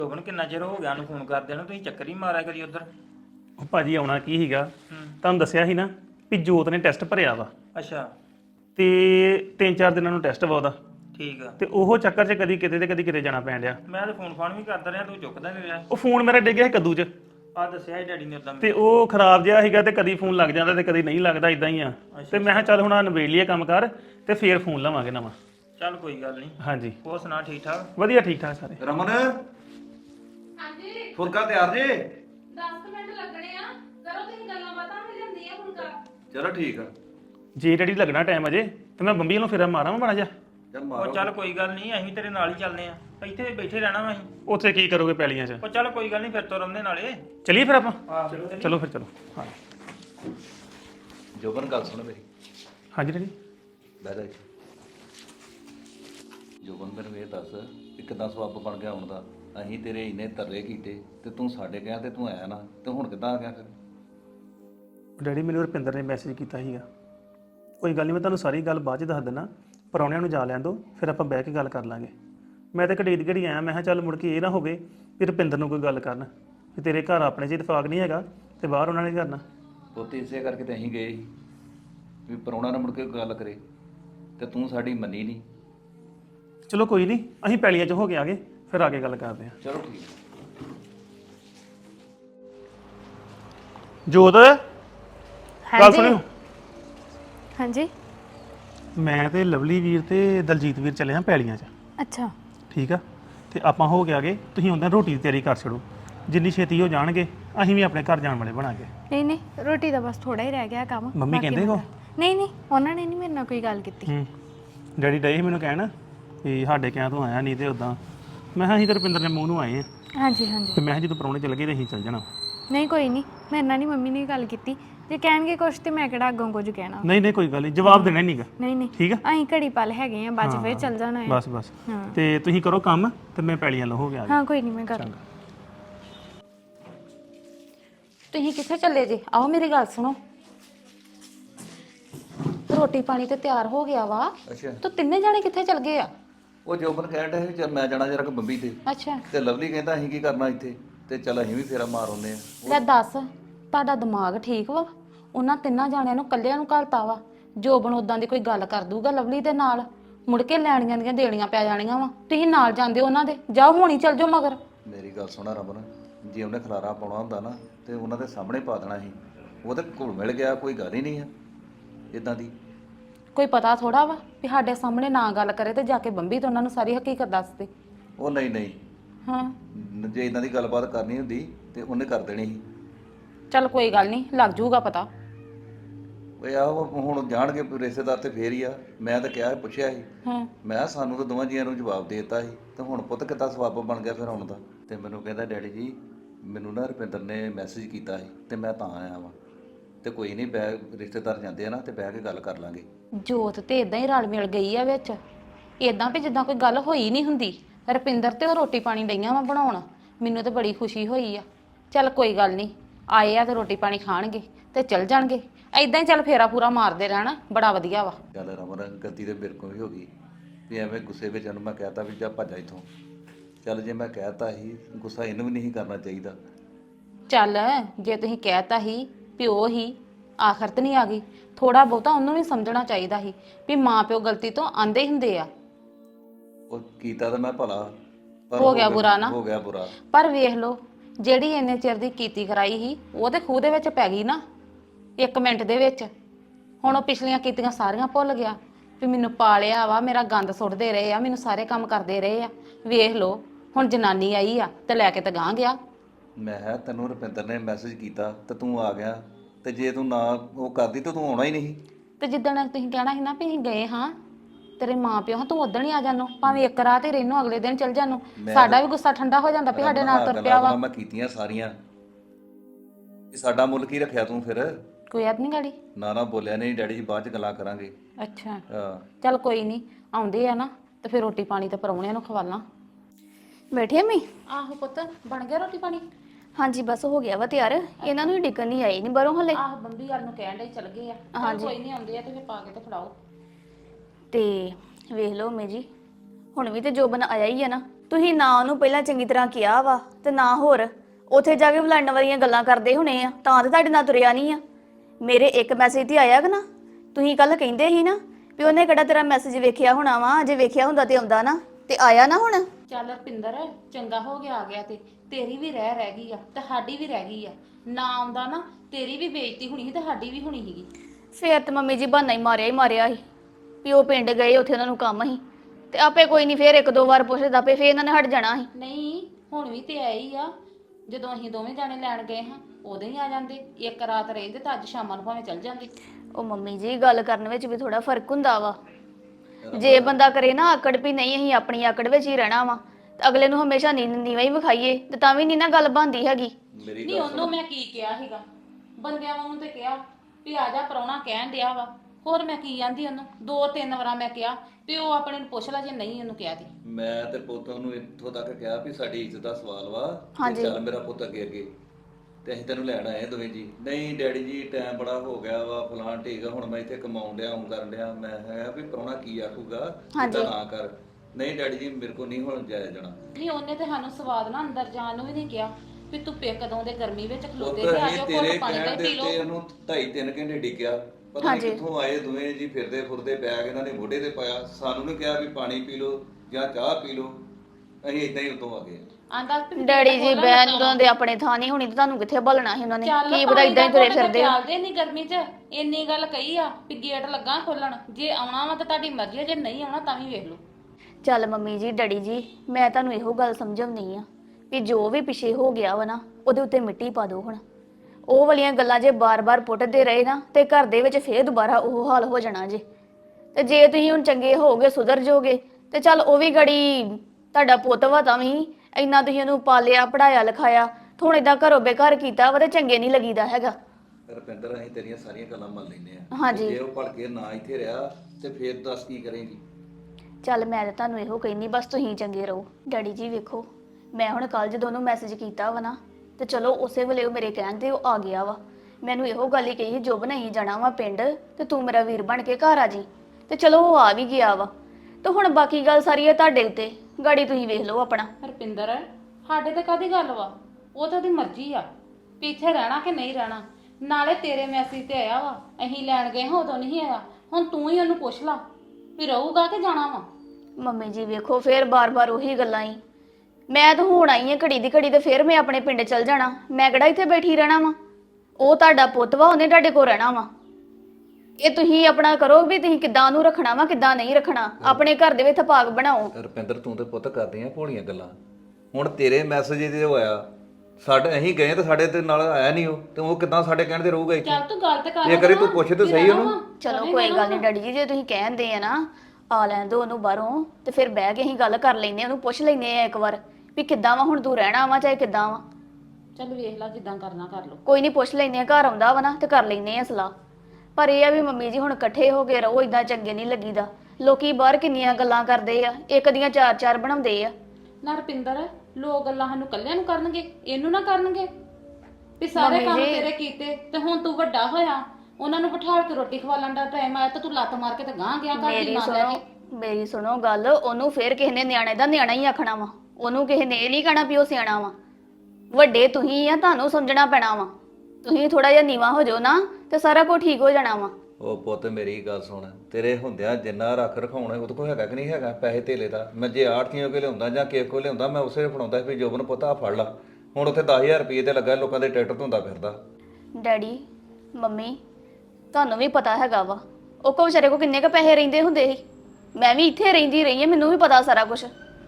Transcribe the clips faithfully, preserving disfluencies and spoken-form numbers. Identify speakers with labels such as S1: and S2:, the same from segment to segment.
S1: ਜੋਬਨ ਕਿੰਨਾ ਚਿਰ ਹੋ ਗਿਆ ਨੂੰ ਫੋਨ ਕਰਦੇ ਨੂੰ ਤੁਸੀਂ ਚੱਕਰ ਹੀ ਮਾਰਿਆ ਕਰੀ ਉਧਰ।
S2: ਉਹ ਭਾਜੀ ਆਉਣਾ ਕੀ ਸੀਗਾ ਤੁਹਾਨੂੰ ਦੱਸਿਆ ਸੀ ਨਾ ਵੀ ਜੋਤ ਨੇ ਟੈਸਟ ਭਰਿਆ ਵਾ
S1: ਅੱਛਾ
S2: ਤੇ ਤਿੰਨ ਚਾਰ ਦਿਨਾਂ ਨੂੰ ਟੈਸਟ ਵਾ ਉਹਦਾ
S1: ਠੀਕ ਆ।
S2: ਤੇ ਉਹ ਚੱਕਰ 'ਚ ਕਦੀ ਕਿਤੇ ਤੇ ਕਦੀ ਕਿਤੇ ਜਾਣਾ ਪੈਣ ਡਿਆ।
S1: ਮੈਂ ਤਾਂ ਫੋਨ ਫਾਨ ਵੀ ਕਰਦਾ ਰਿਹਾ ਤੂੰ ਚੁੱਕਦਾ ਨਹੀਂ ਰਿਹਾ।
S2: ਉਹ ਫੋਨ ਮੇਰਾ ਡਿੱਗਿਆ ਸੀ ਕੱਦੂ 'ਚ
S1: ਆ ਦੱਸਿਆ ਸੀ ਡੈਡੀ ਨੇ ਉਦਾਂ
S2: ਤੇ ਉਹ ਖਰਾਬ ਜਿਹਾ ਸੀਗਾ ਤੇ ਕਦੀ ਫੋਨ ਲੱਗ ਜਾਂਦਾ ਤੇ ਕਦੀ ਨਹੀਂ ਲੱਗਦਾ ਇਦਾਂ ਹੀ ਆ। ਤੇ ਮੈਂ ਕਿਹਾ ਚੱਲ ਹੁਣ ਆ ਨਵੇੜ ਲਈਏ ਕੰਮ ਕਰ ਤੇ ਫੇਰ ਫੋਨ ਲਵਾਂਗੇ ਨਵਾਂ।
S1: ਚੱਲ ਕੋਈ ਗੱਲ ਨਹੀਂ।
S2: ਹਾਂਜੀ
S1: ਹੋਰ ਸੁਣਾ ਠੀਕ ਠਾਕ?
S2: ਵਧੀਆ ਠੀਕ ਠਾਕ ਸਾਰੇ।
S3: ਰਮਨ
S4: ਹਾਂਜੀ
S3: ਫੁਲਕਾ ਤਿਆਰ ਜੇ?
S4: ਦਸ ਮਿੰਟ ਲੱਗਣੇ ਆ। ਕਰੋ ਤੁਸੀਂ ਗੱਲਾਂ ਬਾਤਾਂ ਹੋ ਜਾਂਦੀਆਂ ਹੁਣ ਕਰ।
S3: ਚਲੋ ਠੀਕ ਆ।
S2: ਜੇ ਡੈਡੀ ਲੱਗਣਾ ਟਾਈਮ ਅਜੇ ਤੇ ਮੈਂ ਬੰਬੀ ਨੂੰ ਫੇਰਾ ਮਾਰਾਂ ਮਾੜਾ ਜਾ।
S3: ਚੱਲ
S1: ਉਹ
S3: ਮਾਰੋ।
S1: ਚੱਲ ਕੋਈ ਗੱਲ ਨਹੀਂ ਅਸੀਂ ਤੇਰੇ ਨਾਲ ਹੀ ਚੱਲਦੇ ਆ। ਇੱਥੇ ਬੈਠੇ ਰਹਿਣਾ ਵਾ ਅਸੀਂ।
S2: ਉੱਥੇ ਕੀ ਕਰੋਗੇ ਪੈਲੀਆਂ 'ਚ?
S1: ਉਹ ਚੱਲ ਕੋਈ ਗੱਲ ਨਹੀਂ ਫਿਰ ਤੋਂ ਰੰਦੇ ਨਾਲੇ।
S2: ਚਲੀਏ ਫਿਰ ਆਪਾਂ।
S1: ਆਹ
S2: ਚਲੋ ਫਿਰ ਚਲੋ। ਹਾਂ
S3: ਜੋਬਨ ਗੱਲ ਸੁਣ ਮੇਰੀ।
S2: ਹਾਂਜੀ ਡੈਡੀ।
S3: ਬਹਿ ਜਾ ਇੱਥੇ। ਜੋਬਨ ਮੈਨੂੰ ਇਹ ਦੱਸ ਕਿ ਕਿੱਦਾਂ ਸਵਾਬ ਬਣ ਗਿਆ ਹੁਣ ਦਾ। ਅਸੀਂ ਤੇਰੇ ਇੰਨੇ ਤਰਲੇ ਕੀਤੇ ਤੇ ਤੂੰ ਸਾਡੇ ਕਹਿਆ ਤੇ ਤੂੰ ਆਇਆ ਨਾ ਤੇ ਹੁਣ ਕਿੱਦਾਂ ਆ ਗਿਆ ਫਿਰ?
S2: ਡੈਡੀ ਮੈਨੂੰ ਰੁਪਿੰਦਰ ਨੇ ਮੈਸੇਜ ਕੀਤਾ ਸੀਗਾ। ਕੋਈ ਗੱਲ ਨਹੀਂ ਮੈਂ ਤੁਹਾਨੂੰ ਸਾਰੀ ਗੱਲ ਬਾਅਦ 'ਚ ਦੱਸ ਦਿੰਦਾ। ਪਰੌਣਿਆਂ ਨੂੰ ਜਾ ਲੈਣ ਦਿਓ ਫਿਰ ਆਪਾਂ ਬਹਿ ਕੇ ਗੱਲ ਕਰ ਲਾਂਗੇ। ਮੈਂ ਤਾਂ ਘੜੀ ਦੀ ਘੜੀ ਆਇਆ ਮੈਂ ਕਿਹਾ ਚੱਲ ਮੁੜ ਕੇ ਇਹ ਨਾ ਹੋਵੇ ਵੀ ਰੁਪਿੰਦਰ ਨੂੰ ਕੋਈ ਗੱਲ ਕਰਨ ਵੀ ਤੇਰੇ ਘਰ ਆਪਣੇ 'ਚ ਇਤਫਾਕ ਨਹੀਂ ਹੈਗਾ ਤੇ ਬਾਹਰ ਉਹਨਾਂ ਨੇ ਕਰਨਾ।
S3: ਪੁੱਤ ਇਸੇ ਕਰਕੇ ਤੇ ਅਸੀਂ ਗਏ ਸੀ ਵੀ ਪ੍ਰਾਹੁਣਾ ਨਾ ਮੁੜ ਕੇ ਗੱਲ ਕਰੇ ਤੇ ਤੂੰ ਸਾਡੀ ਮੰਨੀ ਨਹੀਂ।
S2: ਚਲੋ ਕੋਈ ਨਹੀਂ ਅਸੀਂ ਪੈਲੀਆਂ 'ਚ ਹੋ ਕੇ ਆ ਗਏ ਫਿਰ ਆ ਕੇ ਗੱਲ ਕਰਦੇ ਹਾਂ।
S3: ਚਲੋ ਠੀਕ ਆ।
S2: ਜੋਤ ਗੱਲ ਸੁਣਿਓ।
S5: ਹਾਂਜੀ
S2: ਮੈਂ ਤੇ ਲਵਲੀ ਵੀਰ ਤੇ ਦਲਜੀਤ ਵੀਰ ਚੱਲੇ ਹਾਂ ਪੈਲੀਆਂ 'ਚ।
S5: ਅੱਛਾ
S2: ਠੀਕ ਆ ਤੇ ਆਪਾਂ ਹੋ ਕੇ ਆ ਗਏ ਤੁਸੀਂ ਉਹਨਾਂ ਰੋਟੀ ਦੀ ਤਿਆਰੀ ਕਰ ਛੜੋ। ਜਿੰਨੀ ਛੇਤੀ ਹੋ ਜਾਣਗੇ ਅਸੀਂ ਵੀ ਆਪਣੇ ਘਰ ਜਾਣ ਵਾਲੇ ਬਣਾਂਗੇ।
S5: ਨਹੀਂ ਨਹੀਂ ਰੋਟੀ ਦਾ ਬਸ ਥੋੜਾ ਹੀ ਰਹਿ ਗਿਆ ਕੰਮ।
S2: ਮੰਮੀ
S5: ਬਾਕੀ
S2: ਕਹਿੰਦੇ
S5: ਮੈਂ
S2: ਕੋ?
S5: ਕਰ- ਨਹੀਂ ਨਹੀਂ ਉਹਨਾਂ ਨੇ ਨਹੀਂ ਮੇਰੇ ਨਾਲ ਕੋਈ ਗੱਲ ਕੀਤੀ।
S2: ਹੂੰ ਡੈਡੀ ਡੇ ਸੀ ਮੈਨੂੰ ਕਹਿਣ ਵੀ ਸਾਡੇ ਕਿਹਾ ਤੂੰ ਆਇਆ ਨਹੀਂ ਤੇ ਉਦਾਂ ਮੈਂ ਕਿਹਾ ਅਸੀਂ ਤਾਂ ਰੁਪਿੰਦਰ ਦੇ ਮੂੰਹ ਨੂੰ ਆਏ ਆ
S5: ਹਾਂਜੀ ਹਾਂਜੀ
S2: ਤੇ ਮੈਂ ਕਿਹਾ ਜਦੋਂ ਪ੍ਰਾਹੁਣੇ ਚੱਲ ਗਏ ਤੇ ਅਸੀਂ ਚੱਲ ਜਾਣਾ।
S5: ਨਹੀਂ ਕੋਈ ਨਹੀਂ ਮੇਰੇ ਨਾਲ ਨਹੀਂ ਮੰਮੀ ਨੇ ਗੱਲ ਕੀਤੀ। ਜੇ ਕਹਿਣਗੇ ਕੁਛ ਤੇ ਮੈਂ ਕਿਹੜਾ ਅੱਗੋਂ ਕੁਝ ਕਹਿਣਾ।
S2: ਨਹੀਂ ਨਹੀਂ ਕੋਈ ਗੱਲ ਨਹੀਂ ਜਵਾਬ ਦੇਣਾ ਨਹੀਂਗਾ।
S5: ਨਹੀਂ ਨਹੀਂ
S2: ਠੀਕ ਆ
S5: ਅਸੀਂ ਘੜੀ ਪਲ ਹੈਗੇ ਆ ਬਾਅਦ 'ਚ ਫੇਰ ਚੱਲ ਜਾਣਾ ਹੈ।
S2: ਬਸ ਬਸ
S5: ਹਾਂ
S2: ਤੇ ਤੁਸੀਂ ਕਰੋ ਕੰਮ ਤੇ ਮੈਂ ਪੈਲੀਆਂ ਲੋ ਹੋ ਗਿਆ।
S5: ਹਾਂ ਕੋਈ ਨਹੀਂ ਮੈਂ ਕਰ
S2: ਚੰਗਾ।
S4: ਤੁਸੀਂ ਕਿੱਥੇ ਚੱਲੇ ਜੀ? ਆਓ ਮੇਰੀ ਗੱਲ ਸੁਣੋ। ਰੋਟੀ ਪਾਣੀ ਤੇ ਤਿਆਰ ਹੋ ਗਿਆ ਵਾ।
S3: ਅੱਛਾ
S4: ਤੂੰ ਤਿੰਨੇ ਜਾਣੇ ਕਿੱਥੇ ਚੱਲ ਗਏ ਆ?
S3: ਉਹ ਜੋਬਨ ਕਹਿਣ ਡਿਆ ਸੀ ਚੱਲ ਮੈਂ ਜਾਣਾ ਜਰਾ ਕਿ ਬੰਬੀ ਤੇ
S4: ਅੱਛਾ
S3: ਤੇ ਲਵਲੀ ਕਹਿੰਦਾ ਅਸੀਂ ਕੀ ਕਰਨਾ ਇੱਥੇ ਤੇ ਚੱਲ ਅਸੀਂ ਵੀ ਫੇਰਾ ਮਾਰ ਆਉਂਦੇ ਆ।
S4: ਲੈ ਦੱਸ ਤੁਹਾਡਾ ਦਿਮਾਗ ਠੀਕ ਵਾ? ਉਹਨਾਂ ਤਿੰਨਾਂ ਜਾਣਿਆਂ ਨੂੰ ਕੱਲਿਆਂ ਨੂੰ ਘਲਤਾ ਵਾ। ਜੋਬਨ ਉਦਾਂ ਦੀ ਕੋਈ ਗੱਲ ਕਰ ਦੂਗਾ ਲਵਲੀ ਦੇ ਨਾਲ ਮੁੜ ਕੇ ਲੈਣੀਆਂ ਦੀਆਂ ਦੇਣੀਆਂ ਪੈ ਜਾਣੀਆਂ ਵਾ। ਤੁਸੀਂ ਨਾਲ ਜਾਂਦੇ ਹੋ ਉਹਨਾਂ ਦੇ। ਜਾਓ ਹੁਣੀ ਚੱਲ ਜਾਓ ਮਗਰ।
S3: ਮੇਰੀ ਗੱਲ ਸੁਣਾ ਰਮਨ, ਜੇ ਉਹਨੇ ਖਲਾਰਾ ਪਾਉਣਾ ਹੁੰਦਾ ਨਾ ਤੇ ਉਹਨਾਂ ਦੇ ਸਾਹਮਣੇ ਪਾ ਦੇਣਾ ਸੀ। ਉਹ ਤੇ ਘੁਲ ਮਿਲ ਗਿਆ, ਕੋਈ ਗੱਲ ਹੀ ਨਹੀਂ ਆ ਇਦਾਂ ਦੀ।
S4: ਕੋਈ ਪਤਾ ਥੋੜਾ ਵਾ ਵੀ ਸਾਡੇ ਸਾਹਮਣੇ ਨਾ ਗੱਲ ਕਰੇ ਤੇ ਜਾ ਕੇ ਬੰਬੀ ਤੇ ਉਹਨਾਂ ਨੂੰ ਸਾਰੀ ਹਕੀਕਤ ਦੱਸ ਦੇ।
S3: ਉਹ ਨਹੀਂ ਨਹੀਂ,
S4: ਹਾਂ
S3: ਜੇ ਇਦਾਂ ਦੀ ਗੱਲਬਾਤ ਕਰਨੀ ਹੁੰਦੀ ਤੇ ਉਹਨੇ ਕਰ ਦੇਣੀ ਸੀ।
S4: ਚੱਲ ਕੋਈ ਗੱਲ ਨਹੀਂ ਲੱਗ ਜੂਗਾ ਪਤਾ।
S3: ਓਏ ਆ ਹੁਣ ਜਾਣਗੇ ਰਿਸ਼ਤੇਦਾਰ ਤੇ ਫੇਰ ਹੀ ਆ। ਮੈਂ ਤਾਂ ਕਿਹਾ ਪੁੱਛਿਆ ਸੀ,
S4: ਹਾਂ
S3: ਮੈਂ ਕਿਹਾ ਸਾਨੂੰ ਤਾਂ ਦੋਵਾਂ ਜੀਆਂ ਨੂੰ ਜਵਾਬ ਦੇ ਦਿੱਤਾ ਸੀ ਤੇ ਹੁਣ ਪੁੱਤ ਕਿੱਦਾਂ ਸਵਾਬ ਬਣ ਗਿਆ ਫਿਰ ਆਉਣ ਦਾ। ਤੇ ਮੈਨੂੰ ਕਹਿੰਦਾ ਡੈਡੀ ਜੀ ਮੈਨੂੰ ਨਾ ਰੁਪਿੰਦਰ ਨੇ ਮੈਸੇਜ ਕੀਤਾ ਸੀ ਤੇ ਮੈਂ ਤਾਂ ਆਇਆ ਵਾਂ ਤੇ ਕੋਈ ਨਹੀਂ ਬਹਿ ਰਿਸ਼ਤੇਦਾਰ ਜਾਂਦੇ ਆ ਨਾ ਤੇ ਬਹਿ ਕੇ ਗੱਲ ਕਰ ਲਾਂਗੇ।
S4: ਜੋਤ ਤੇ ਇਦਾਂ ਹੀ ਰਲ ਮਿਲ ਗਈ ਆ ਵਿੱਚ। ਇਦਾਂ ਵੀ ਜਿੱਦਾਂ ਕੋਈ ਗੱਲ ਹੋਈ ਨਹੀਂ ਹੁੰਦੀ। ਰੁਪਿੰਦਰ ਤੇ ਉਹ ਰੋਟੀ ਪਾਣੀ ਡਈਆਂ ਵਾ ਬਣਾਉਣ। ਮੈਨੂੰ ਤੇ ਬੜੀ ਖੁਸ਼ੀ ਹੋਈ ਆ। ਚੱਲ ਕੋਈ ਗੱਲ ਨਹੀਂ ਆਏ ਆ ਤੇ ਰੋਟੀ ਪਾਣੀ ਖਾਣਗੇ ਤੇ ਚੱਲ ਜਾਣਗੇ। ਐਦਾਂ ਹੀ ਚੱਲ ਫੇਰਾ ਪੂਰਾ ਮਾਰਦੇ ਰਹਿਣਾ ਬੜਾ ਵਧੀਆ ਵਾ।
S3: ਚੱਲ ਰਮਨ ਗਲਤੀ ਤੇ ਮੇਰੇ ਕੋਲ ਵੀ ਹੋ ਗਈ ਵੀ ਐਵੇਂ ਗੁੱਸੇ ਵਿੱਚ ਇਹਨੂੰ ਮੈਂ ਕਹਿਤਾ ਵੀ ਜਾ ਭੱਜ ਇੱਥੋਂ। ਚੱਲ ਜੇ ਮੈਂ ਕਹਿਤਾ ਸੀ ਗੁੱਸਾ ਇਹਨੂੰ ਵੀ ਨਹੀਂ ਕਰਨਾ ਚਾਹੀਦਾ।
S4: ਚੱਲ ਜੇ ਤੁਸੀਂ ਕਹਿਤਾ ਸੀ ਪਿਓ ਹੀ ਆਖਰ ਤੇ ਨਹੀਂ ਆ ਗਈ। ਥੋੜਾ ਬਹੁਤਾ ਉਹਨੂੰ ਵੀ ਸਮਝਣਾ ਚਾਹੀਦਾ ਸੀ ਵੀ ਮਾਂ ਪਿਓ ਗਲਤੀ ਤੋਂ ਆਂਦੇ ਹੁੰਦੇ ਆ।
S3: ਉਹ ਕੀਤਾ ਤਾਂ ਮੈਂ ਭਲਾ ਪਰ
S4: ਹੋ ਗਿਆ ਬੁਰਾ ਨਾ।
S3: ਹੋ ਗਿਆ ਬੁਰਾ।
S4: ਪਰ ਵੇਖ ਲਓ ਜਿਹੜੀ ਇੰਨੇ ਚਿਰ ਦੀ ਕੀਤੀ ਕਰਾਈ ਸੀ ਉਹ ਤੇ ਖੂਹ ਦੇ ਵਿੱਚ ਪੈ ਗਈ ਨਾ ਇੱਕ ਮਿੰਟ ਦੇ ਵਿੱਚ। ਹੁਣ ਉਹ ਪਿਛਲੀਆਂ ਕੀਤੀਆਂ ਸਾਰੀਆਂ ਭੁੱਲ ਗਿਆ ਵੀ ਮੈਨੂੰ ਪਾਲਿਆ ਵਾ, ਮੇਰਾ ਗੰਦ ਸੁੱਟਦੇ ਰਹੇ ਆ, ਮੈਨੂੰ ਸਾਰੇ ਕੰਮ ਕਰਦੇ ਰਹੇ ਆ। ਵੇਖ ਲਓ ਹੁਣ ਜਨਾਨੀ ਆਈ ਆ ਤੇ ਲੈ ਕੇ ਤੇ ਗਾਂ ਗਿਆ।
S3: ਮੈਂ ਕਿਹਾ ਤੈਨੂੰ ਰੁਪਿੰਦਰ ਨੇ ਮੈਸੇਜ ਕੀਤਾ ਤੇ ਤੂੰ ਆ ਗਿਆ ਤੇ ਜੇ ਤੂੰ ਨਾ ਉਹ ਕਰਦੀ ਤਾਂ ਤੂੰ ਆਉਣਾ ਹੀ ਨਹੀਂ।
S4: ਤੇ ਜਿੱਦਣ ਤੁਸੀਂ ਕਹਿਣਾ ਸੀ ਨਾ ਵੀ ਅਸੀਂ ਗਏ ਹਾਂ ਤੇਰੇ ਮਾਂ ਪਿਓ ਹਾਂ ਤੂੰ ਉਦਣ ਹੀ ਆ ਜਾਨੋ। ਭਾਵੇਂ ਇੱਕ ਰਾਤ ਹੀ ਰਹਿਨੋ ਅਗਲੇ ਦਿਨ ਚੱਲ ਜਾਨੋ। ਸਾਡਾ ਵੀ ਗੁੱਸਾ ਠੰਡਾ ਹੋ ਜਾਂਦਾ ਵੀ ਸਾਡੇ ਨਾਲ ਤੁਰ ਪਿਆ ਵਾ।
S3: ਮੈਂ ਕੀਤੀਆਂ ਸਾਰੀਆਂ ਇਹ ਸਾਡਾ ਮੁੱਲ ਕੀ ਰੱਖਿਆ ਤੂੰ ਫਿਰ?
S4: ਕੋਈ ਯਾਦ ਨਹੀਂ ਗਾੜੀ।
S3: ਨਾ ਨਾ ਬੋਲਿਆ ਨਹੀਂ ਡੈਡੀ ਜੀ ਬਾਅਦ ਚ ਗੱਲਾਂ ਕਰਾਂਗੇ।
S4: ਅੱਛਾ
S3: ਹਾਂ
S4: ਚੱਲ ਕੋਈ ਨਹੀਂ ਆਉਂਦੇ ਆ ਨਾ ਤੇ ਫਿਰ ਰੋਟੀ ਪਾਣੀ ਤੇ ਪਰੌਣਿਆਂ ਨੂੰ ਖਵਾਲਾਂ।
S5: ਬੈਠੇ ਮੈਂ।
S4: ਆਹੋ ਪੁੱਤ ਬਣ ਗਿਆ ਰੋਟੀ ਪਾਣੀ?
S5: ਹਾਂਜੀ ਬਸ ਹੋ ਗਿਆ ਵਾ ਤਿਆਰ। ਇਹਨਾਂ ਨੂੰ ਹੀ ਡਿੱਗਣ ਨਹੀਂ ਆਈ ਨਹੀਂ ਬਾਹਰੋਂ ਹਲੇ।
S4: ਆਹ ਬੰਬੀ ਵਾਲ ਨੂੰ ਕਹਿਣ ਦੇ ਚੱਲ ਗਏ ਆ। ਚੱਲ ਕੋਈ ਨਹੀਂ ਆਉਂਦੇ ਆ ਤੇ ਫਿਰ ਪਾ ਕੇ ਤੇ ਫੜਾਓ।
S5: ਤੇ ਵੇਖ ਲਓ ਮੇ ਜੀ ਹੁਣ ਵੀ ਤੇ ਜੋਬਨ ਆਇਆ ਹੀ ਆ ਨਾ।
S6: ਤੁਸੀਂ ਨਾ ਉਹਨੂੰ ਪਹਿਲਾਂ ਚੰਗੀ ਤਰ੍ਹਾਂ ਕਿਹਾ ਵਾ ਤੇ ਨਾ ਹੋਰ ਉੱਥੇ ਜਾ ਕੇ ਬੁਲਾਉਣ ਵਾਲੀਆਂ ਗੱਲਾਂ ਕਰਦੇ ਹੋਣੇ ਆ ਤਾਂ ਤੇ ਤੁਹਾਡੇ ਨਾਲ ਤੁਰਿਆ ਨਹੀਂ ਆ। ਮੇਰੇ ਇੱਕ ਮੈਸੇਜ ਤੇ ਆਇਆ ਕਿ ਨਾ, ਤੁਸੀਂ ਕੱਲ ਕਹਿੰਦੇ ਸੀ ਨਾ ਵੀ ਉਹਨੇ ਕਿਹੜਾ ਤੇਰਾ ਮੈਸੇਜ ਵੇਖਿਆ ਹੋਣਾ ਵਾ, ਜੇ ਵੇਖਿਆ ਹੁੰਦਾ ਤੇ ਆਉਂਦਾ ਨਾ, ਤੇ ਆਇਆ ਨਾ ਹੁਣ।
S4: ਚੱਲ ਰਪਿੰਦਰ ਚੰਗਾ ਹੋ ਗਿਆ ਆ ਗਿਆ ਤੇ ਤੇਰੀ ਵੀ ਰਹਿ ਰਹਿ ਗਈ ਆ ਤੇ ਸਾਡੀ ਵੀ ਰਹਿ ਗਈ ਆ। ਨਾ ਆਉਂਦਾ ਨਾ ਤੇਰੀ ਵੀ ਬੇਇੱਜ਼ਤੀ ਹੋਣੀ ਸੀ ਤੇ ਸਾਡੀ ਵੀ ਹੋਣੀ ਸੀਗੀ।
S6: ਫੇਰ ਤੇ ਮੰਮੀ ਜੀ ਬਹਾਨਾ ਹੀ ਮਾਰਿਆ ਹੀ ਮਾਰਿਆ ਸੀ ਵੀ ਉਹ ਪਿੰਡ ਗਏ, ਉੱਥੇ ਉਹਨਾਂ ਨੂੰ ਕੰਮ ਸੀ ਤੇ ਆਪੇ ਕੋਈ ਨਹੀਂ, ਫੇਰ ਇੱਕ ਦੋ ਵਾਰ ਪੁੱਛਦਾ ਆਪੇ ਫੇਰ ਇਹਨਾਂ ਨੇ ਹਟ ਜਾਣਾ ਸੀ।
S4: ਨਹੀਂ ਹੁਣ ਵੀ ਤੇ ਆਏ ਹੀ ਆ। ਜਦੋਂ ਅਸੀਂ ਦੋਵੇਂ ਜਾਣੇ ਲੈਣ ਗਏ ਹਾਂ ਉਦੋਂ ਹੀ ਆ ਜਾਂਦੇ, ਇੱਕ ਰਾਤ ਰਹਿੰਦੇ ਤਾਂ ਅੱਜ ਸ਼ਾਮਾਂ ਨੂੰ ਭਾਵੇਂ ਚੱਲ ਜਾਂਦੇ।
S6: ਉਹ ਮੰਮੀ ਜੀ ਗੱਲ ਕਰਨ ਵਿੱਚ ਵੀ ਥੋੜਾ ਫਰਕ ਹੁੰਦਾ ਵਾ। ਜੇ ਬੰਦਾ ਕਰੇ ਨਾ ਆਕੜ ਵੀ ਨਹੀਂ ਅਸੀਂ ਆਪਣੀ ਆਕੜ ਵਿੱਚ ਹੀ ਰਹਿਣਾ ਵਾ ਤੇ ਅਗਲੇ ਨੂੰ ਹਮੇਸ਼ਾ ਨੀ ਨੀਵਾਂ ਹੀ ਵਿਖਾਈਏ ਤੇ ਤਾਂ ਵੀ ਨਹੀਂ ਨਾ ਗੱਲ ਬਣਦੀ ਹੈਗੀ।
S3: ਮੇਰੀ
S4: ਨਹੀਂ ਉਹਨੂੰ ਮੈਂ ਕੀ ਕਿਹਾ ਸੀਗਾ, ਬੰਦਿਆਂ ਵਾਂਗੂ ਤੇ ਕਿਹਾ ਵੀ ਆ ਜਾ ਪ੍ਰਾਹੁਣਾ ਕਹਿਣ ਡਿਆ ਵਾ, ਹੋਰ ਮੈਂ ਕੀ ਆਂਦੀ ਉਹਨੂੰ। ਦੋ ਤਿੰਨ ਵਾਰਾਂ ਮੈਂ ਕਿਹਾ ਵੀ ਉਹ ਆਪਣੇ ਨੂੰ ਪੁੱਛ ਲੈ, ਜੇ ਨਹੀਂ ਉਹਨੂੰ ਕਿਹਾ ਤੇ
S3: ਮੈਂ ਤੇ ਪੁੱਤ ਨੂੰ ਇੱਥੋਂ ਤੱਕ ਕਿਹਾ ਵੀ ਸਾਡੀ ਇੱਜ਼ਤ ਦਾ ਸਵਾਲ ਵਾ ਤੇ
S6: ਹਾਂਜੀ।
S3: ਚੱਲ ਮੇਰਾ ਪੁੱਤ ਅੱਗੇ ਅੱਗੇ ਤੇ ਅਸੀਂ ਤੈਨੂੰ ਲੈਣ ਆਏ ਦੋਵੇਂ ਜੀ। ਨਹੀਂ ਡੈਡੀ ਜੀ ਟਾਈਮ ਬੜਾ ਹੋ ਗਿਆ ਵਾ ਫਲਾਂ ਠੀਕ ਆ, ਹੁਣ ਮੈਂ ਇੱਥੇ ਕਮਾਉਣ ਡਿਆ ਹੂੰ ਕਰਨ ਡਿਆ। ਮੈਂ ਕਿਹਾ ਵੀ ਪ੍ਰਾਹੁਣਾ ਕੀ ਆਖੂਗਾ,
S6: ਹਾਂਜੀ।
S3: ਤਾਂ ਨਾ ਕਰ। ਨਹੀਂ ਡੈਡੀ ਜੀ ਮੇਰੇ ਕੋਲ ਨਹੀਂ ਹੁਣ ਜਾਇਆ ਜਾਣਾ।
S4: ਨਹੀਂ ਉਹਨੇ ਤੇ ਸਾਨੂੰ ਸਵਾਦ ਨਾ ਅੰਦਰ ਜਾਣ ਨੂੰ ਵੀ ਨਹੀਂ ਕਿਹਾ ਵੀ ਧੁੱਪੇ ਕਦੋਂ ਦੇ ਗਰਮੀ ਵਿੱਚ
S3: ਪੁੱਤ
S4: ਖਲੋਤੇ ਤੇ ਆ
S3: ਅਸੀਂ
S4: ਜਾਓ
S3: ਤੇਰੇ
S4: ਕੋਲ ਪਾਣੀ ਦਾ
S3: ਕਹਿਣ
S4: ਪੀ
S3: ਦੇ
S4: ਲਓ।
S3: ਉੱਤੇ ਉਹਨੂੰ ਢਾਈ ਤਿੰਨ ਘੰਟੇ ਡਿੱਗਿਆ, ਪਤਾ ਨਹੀਂ ਕਿੱਥੋਂ ਆਏ ਦੋਵੇਂ ਜੀ ਫਿਰਦੇ ਫੁਰਦੇ, ਬੈਗ ਇਹਨਾਂ ਨੇ ਮੋਢੇ ਤੇ ਪਾਇਆ। ਸਾਨੂੰ ਨੇ ਕਿਹਾ ਵੀ ਪਾਣੀ ਪੀ ਲਓ ਜਾਂ ਚਾਹ ਪੀ ਲਓ, ਅਸੀਂ ਇਦਾਂ ਹੀ ਉਤੋਂ ਆ ਗਏ।
S4: ਆਂਦਾ
S6: ਡੈਡੀ ਜੀ ਬੈਨ ਉਹਨਾਂ ਦੇ ਆਪਣੇ ਥਾਂ ਨਹੀਂ ਹੋਣੀ ਤੇ ਤੁਹਾਨੂੰ ਕਿੱਥੇ ਬਲਣਾ ਸੀ ਉਹਨਾਂ ਨੇ, ਕੀ ਪਤਾ ਇਦਾਂ ਹੀ ਤੁਰੇ ਫਿਰਦੇ ਆ।
S4: ਚੱਲਦੇ ਨਹੀਂ ਗਰਮੀ 'ਚ ਇੰਨੀ ਗੱਲ ਕਹੀ ਆ ਵੀ ਗੇਟ ਲੱਗਾ ਖੋਲਣ, ਜੇ ਆਉਣਾ ਵਾ ਤਾਂ ਤੁਹਾਡੀ ਮਰਜ਼ੀ ਆ, ਜੇ ਨਹੀਂ ਆਉਣਾ ਤਾਂ ਵੀ ਵੇਖ ਲਓ।
S6: ਚੱਲ ਮੰਮੀ ਜੀ ਡੈਡੀ ਜੀ ਮੈਂ ਤੁਹਾਨੂੰ ਇਹੋ ਗੱਲ ਸਮਝਾਉਣੀ ਆ ਵੀ ਜੋ ਵੀ ਪਿਛੇ ਹੋ ਗਿਆ ਵਾ ਨਾ ਉਹਦੇ ਉੱਤੇ ਮਿੱਟੀ ਪਾ ਦਿਓ। ਹੁਣ ਉਹ ਵਾਲੀਆਂ ਗੱਲਾਂ ਜੇ ਬਾਰ-ਬਾਰ ਪੁੱਟਦੇ ਰਹੇ ਨਾ ਤੇ ਘਰ ਦੇ ਵਿੱਚ ਫੇਰ ਦੁਬਾਰਾ ਉਹ ਹਾਲ ਹੋ ਜਾਣਾ ਜੇ। ਤੇ ਜੇ ਤੁਸੀਂ ਹੁਣ ਚੰਗੇ ਹੋਗੇ ਸੁਧਰ ਜਾਓਗੇ ਤੇ ਚੱਲ ਉਹ ਵੀ ਗੜੀ ਤੁਹਾਡਾ ਪੁੱਤ ਵਾ, ਤਾਂ ਵੀ ਇੰਨਾ ਤੁਸੀਂ ਉਹਨੂੰ ਪਾਲਿਆ ਪੜਾਇਆ ਲਿਖਾਇਆ, ਹੁਣ ਏਦਾਂ ਘਰੋਂ ਬੇਘਰ ਕੀਤਾ ਵਾ ਤੇ ਚੰਗੇ ਨਹੀਂ ਲੱਗੀਦਾ ਹੈਗਾ।
S3: ਰੁਪਿੰਦਰ ਅਸੀਂ ਤੇਰੀਆਂ ਸਾਰੀਆਂ ਗੱਲਾਂ ਮੰਨ ਲੈਂਦੇ ਆ।
S6: ਹਾਂਜੀ।
S3: ਜੇ ਉਹ ਭੜਕੇ ਨਾ ਇੱਥੇ ਰਿਹਾ ਤੇ ਫੇਰ ਦੱਸ ਕੀ ਕਰੇਂਗੀ।
S6: ਚੱਲ ਮੈਂ ਤਾਂ ਤੁਹਾਨੂੰ ਇਹੋ ਕਹਿੰਦੀ ਬਸ ਤੁਸੀਂ ਚੰਗੇ ਰਹੋ। ਡੈਡੀ ਜੀ ਵੇਖੋ ਮੈਂ ਹੁਣ ਕੱਲ ਜਦੋਂ ਉਹਨੂੰ ਮੈਸੇਜ ਕੀਤਾ ਵਾ ਨਾ ਤੇ ਚਲੋ ਉਸੇ ਵੇਲੇ ਉਹ ਮੇਰੇ ਕਹਿਣ ਤੇ ਉਹ ਆ ਗਿਆ ਵਾ। ਮੈਨੂੰ ਇਹੋ ਗੱਲ ਹੀ ਕਹੀ ਜੁਬ ਨਹੀਂ ਜਾਣਾ ਵਾ ਪਿੰਡ ਤੇ ਤੂੰ ਮੇਰਾ ਵੀਰ ਬਣ ਕੇ ਘਰ ਆ ਜੀ, ਤੇ ਚਲੋ ਉਹ ਆ ਵੀ ਗਿਆ ਵਾ। ਤੇ ਹੁਣ ਬਾਕੀ ਗੱਲ ਸਾਰੀ ਹੈ ਤੁਹਾਡੇ ਉੱਤੇ, ਗਾੜੀ ਤੁਸੀਂ ਵੇਖ ਲਓ ਆਪਣਾ।
S4: ਹਰਪਿੰਦਰ ਸਾਡੇ ਤੇ ਕਾਦੀ ਗੱਲ ਵਾ, ਉਹ ਤਾਂ ਉਹਦੀ ਮਰਜ਼ੀ ਆ ਵੀ ਇੱਥੇ ਰਹਿਣਾ ਕਿ ਨਹੀਂ ਰਹਿਣਾ। ਨਾਲੇ ਤੇਰੇ ਮੈਸੇਜ ਤੇ ਆਇਆ ਵਾ, ਅਸੀਂ ਲੈਣ ਗਏ ਹਾਂ ਉਦੋਂ ਨਹੀਂ ਆਇਆ, ਹੁਣ ਤੂੰ ਹੀ ਉਹਨੂੰ ਪੁੱਛ ਲਾ ਵੀ ਰਹੂਗਾ ਕਿ ਜਾਣਾ ਵਾ।
S6: ਮੰਮੀ ਜੀ ਵੇਖੋ ਫੇਰ ਬਾਰ-ਬਾਰ ਉਹੀ ਗੱਲਾਂ ਹੀ। ਮੈਂ ਤਾਂ ਹੁਣ ਆਈ ਹਾਂ ਘੜੀ ਦੀ ਘੜੀ ਤੇ ਫੇਰ ਮੈਂ ਆਪਣੇ ਪਿੰਡ ਚਲ ਜਾਣਾ, ਮੈਂ ਕਿਹੜਾ ਇੱਥੇ ਬੈਠੀ ਰਹਿਣਾ ਵਾ। ਉਹ ਤੁਹਾਡਾ ਪੁੱਤ ਵਾ, ਉਹਨੇ ਤੁਹਾਡੇ ਕੋਲ ਰਹਿਣਾ ਵਾ। ਇਹ ਤੁਸੀਂ ਆਪਣਾ ਕਰੋ ਵੀ ਤੁਸੀਂ ਕਿੱਦਾਂ ਉਹਨੂੰ ਰੱਖਣਾ ਵਾ ਕਿੱਦਾਂ ਨਹੀਂ ਰੱਖਣਾ, ਆਪਣੇ ਘਰ ਦੇ ਵਿੱਚ ਥਪਾਕ ਬਣਾਓ।
S3: ਰੁਪਿੰਦਰ ਤੂੰ ਤੇ ਪੁੱਤ ਕਰਦੀ ਆ ਭੋਲੀਆਂ ਗੱਲਾਂ। ਹੁਣ ਤੇਰੇ ਮੈਸੇਜ ਤੇ ਹੋਇਆ, ਸਾਡੇ ਅਸੀਂ ਗਏ ਤੇ ਸਾਡੇ ਤੇ ਨਾਲ ਆਇਆ ਨਹੀਂ ਉਹ, ਤੇ ਉਹ ਕਿੱਦਾਂ ਸਾਡੇ ਕਹਿਣ ਤੇ ਰਹੂਗਾ ਇੱਥੇ।
S4: ਚੱਲ ਤੂੰ ਗੱਲ ਤੇ ਕਰ
S3: ਇਹ ਕਰੇ ਤੂੰ ਪੁੱਛ ਤੇ ਸਹੀ ਉਹਨੂੰ।
S6: ਚਲੋ ਕੋਈ ਗੱਲ ਨਹੀਂ ਡੈਡੀ ਜੀ, ਜੇ ਤੁਸੀਂ ਕਹਿੰਦੇ ਆ ਨਾ ਆ ਲੈਣ ਦੋ ਉਹਨੂੰ ਬਾਹਰੋਂ ਤੇ ਫਿਰ ਬਹਿ ਕੇ ਅਸੀਂ ਗੱਲ ਕਰ ਲੈਨੇ, ਉਹਨੂੰ ਪੁੱਛ ਲੈਨੇ ਆ ਇੱਕ ਵਾਰ ਵੀ ਕਿੱਦਾਂ ਵਾ ਹੁਣ ਤੂੰ ਰਹਿਣਾ ਵਾ ਚਾਹੇ ਕਿੱਦਾਂ ਵਾ।
S4: ਚੱਲ ਵੇਖ ਲੈ ਜਿੱਦਾਂ ਕਰਨਾ ਕਰ ਲਓ।
S6: ਕੋਈ ਨਹੀਂ ਪੁੱਛ ਲੈਨੇ ਆ, ਘਰ ਆਉਂਦਾ ਵਾ ਨਾ ਤੇ ਕਰ ਲੈਨੇ ਆ ਸਲਾਹ। ਪਰ ਇਹ ਆ ਵੀ ਮੰਮੀ ਜੀ ਹੁਣ ਇਕੱਠੇ ਹੋ ਕੇ ਰਹੋ, ਇਦਾਂ ਚੰਗੇ ਨਹੀਂ ਲੱਗੀਦਾ। ਲੋਕੀ ਬਾਹਰ ਕਿੰਨੀਆਂ ਗੱਲਾਂ ਕਰਦੇ ਆ, ਇੱਕ ਦੀਆਂ ਚਾਰ ਚਾਰ ਬਣਾਉਂਦੇ ਆ।
S4: ਨਾ ਰੁਪਿੰਦਰ ਲੋਕ ਗੱਲਾਂ ਸਾਨੂੰ ਕੱਲਿਆਂ ਨੂੰ ਕਰਨਗੇ, ਇਹਨੂੰ ਨਾ ਕਰਨਗੇ ਵੀ ਸਾਰੇ ਕੰਮ ਤੇਰੇ ਕੀਤੇ ਤੇ ਹੁਣ ਤੂੰ ਵੱਡਾ ਹੋਇਆ ਉਹਨਾਂ ਨੂੰ ਬਿਠਾ ਕੇ ਰੋਟੀ ਖਵਾਉਣ ਦਾ ਟਾਈਮ ਆਇਆ ਤਾਂ ਤੂੰ ਲੱਤ ਮਾਰ ਕੇ ਤੇ ਗਾਂ ਗਿਆ ਘਰ ਦੀ
S6: ਮੇਰੀ
S4: ਮਾਂ ਲੈ ਕੇ।
S6: ਸੁਣੋ ਮੇਰੀ ਸੁਣੋ ਗੱਲ, ਉਹਨੂੰ ਫੇਰ ਕਿਸੇ ਨੇ ਨਿਆਣੇ ਦਾ ਨਿਆਣਾ ਹੀ ਆਖਣਾ ਵਾ, ਉਹਨੂੰ ਕਿਸੇ ਨੇ ਇਹ ਨਹੀਂ ਕਹਿਣਾ ਵੀ ਉਹ ਸਿਆਣਾ ਵਾ। ਵੱਡੇ ਤੁਸੀਂ ਆ, ਤੁਹਾਨੂੰ ਸਮਝਣਾ ਪੈਣਾ ਵਾ। ਤੁਸੀਂ ਥੋੜਾ ਜਿਹਾ ਨੀਵਾ ਹੋ ਜਾਓ ਨਾ ਤੇ ਸਾਰਾ ਕੁਝ ਠੀਕ ਹੋ ਜਾਣਾ ਵਾ।
S3: ਉਹ ਪੁੱਤ ਮੇਰੀ ਗੱਲ ਸੁਣ, ਤੇਰੇ ਹੁੰਦਿਆਂ ਜਿੰਨਾ ਰੱਖ ਰਖਾਉਣਾ ਉਹਦੇ ਕੋਲ ਹੈਗਾ ਕਿ ਨਹੀਂ ਹੈਗਾ ਪੈਸੇ ਧੇਲੇ ਦਾ। ਮੈਂ ਜੇ ਆੜਤੀਆਂ ਕੋਲ ਲਿਆਉਂਦਾ ਜਾਂ ਕਿਸੇ ਕੋਲ ਲਿਆਉਂਦਾ ਮੈਂ ਉਸੇ ਫੜਾਉਂਦਾ ਵੀ ਜੋਬਨ ਪੁੱਤ ਆ ਫੜ ਲਾ। ਹੁਣ ਉੱਥੇ ਦਸ ਹਜ਼ਾਰ ਰੁਪਏ ਤੇ ਲੱਗਾ, ਲੋਕਾਂ ਦੇ ਟਰੈਕਟਰ ਧੁੰਦਾ ਫਿਰਦਾ।
S6: ਡੈਡੀ ਮੰਮੀ ਤੁਹਾਨੂੰ ਵੀ ਪਤਾ ਹੈਗਾ ਵਾ ਉਹ ਕੋ ਵਿਚਾਰੇ ਕੋ ਕਿੰਨੇ ਕ ਪੈਸੇ ਰਹਿੰਦੇ ਹੁੰਦੇ ਸੀ। ਮੈਂ ਵੀ ਇੱਥੇ ਰਹਿੰਦੀ ਰਹੀ ਹਾਂ, ਮੈਨੂੰ ਵੀ ਪਤਾ ਸਾਰਾ ਕੁਝ।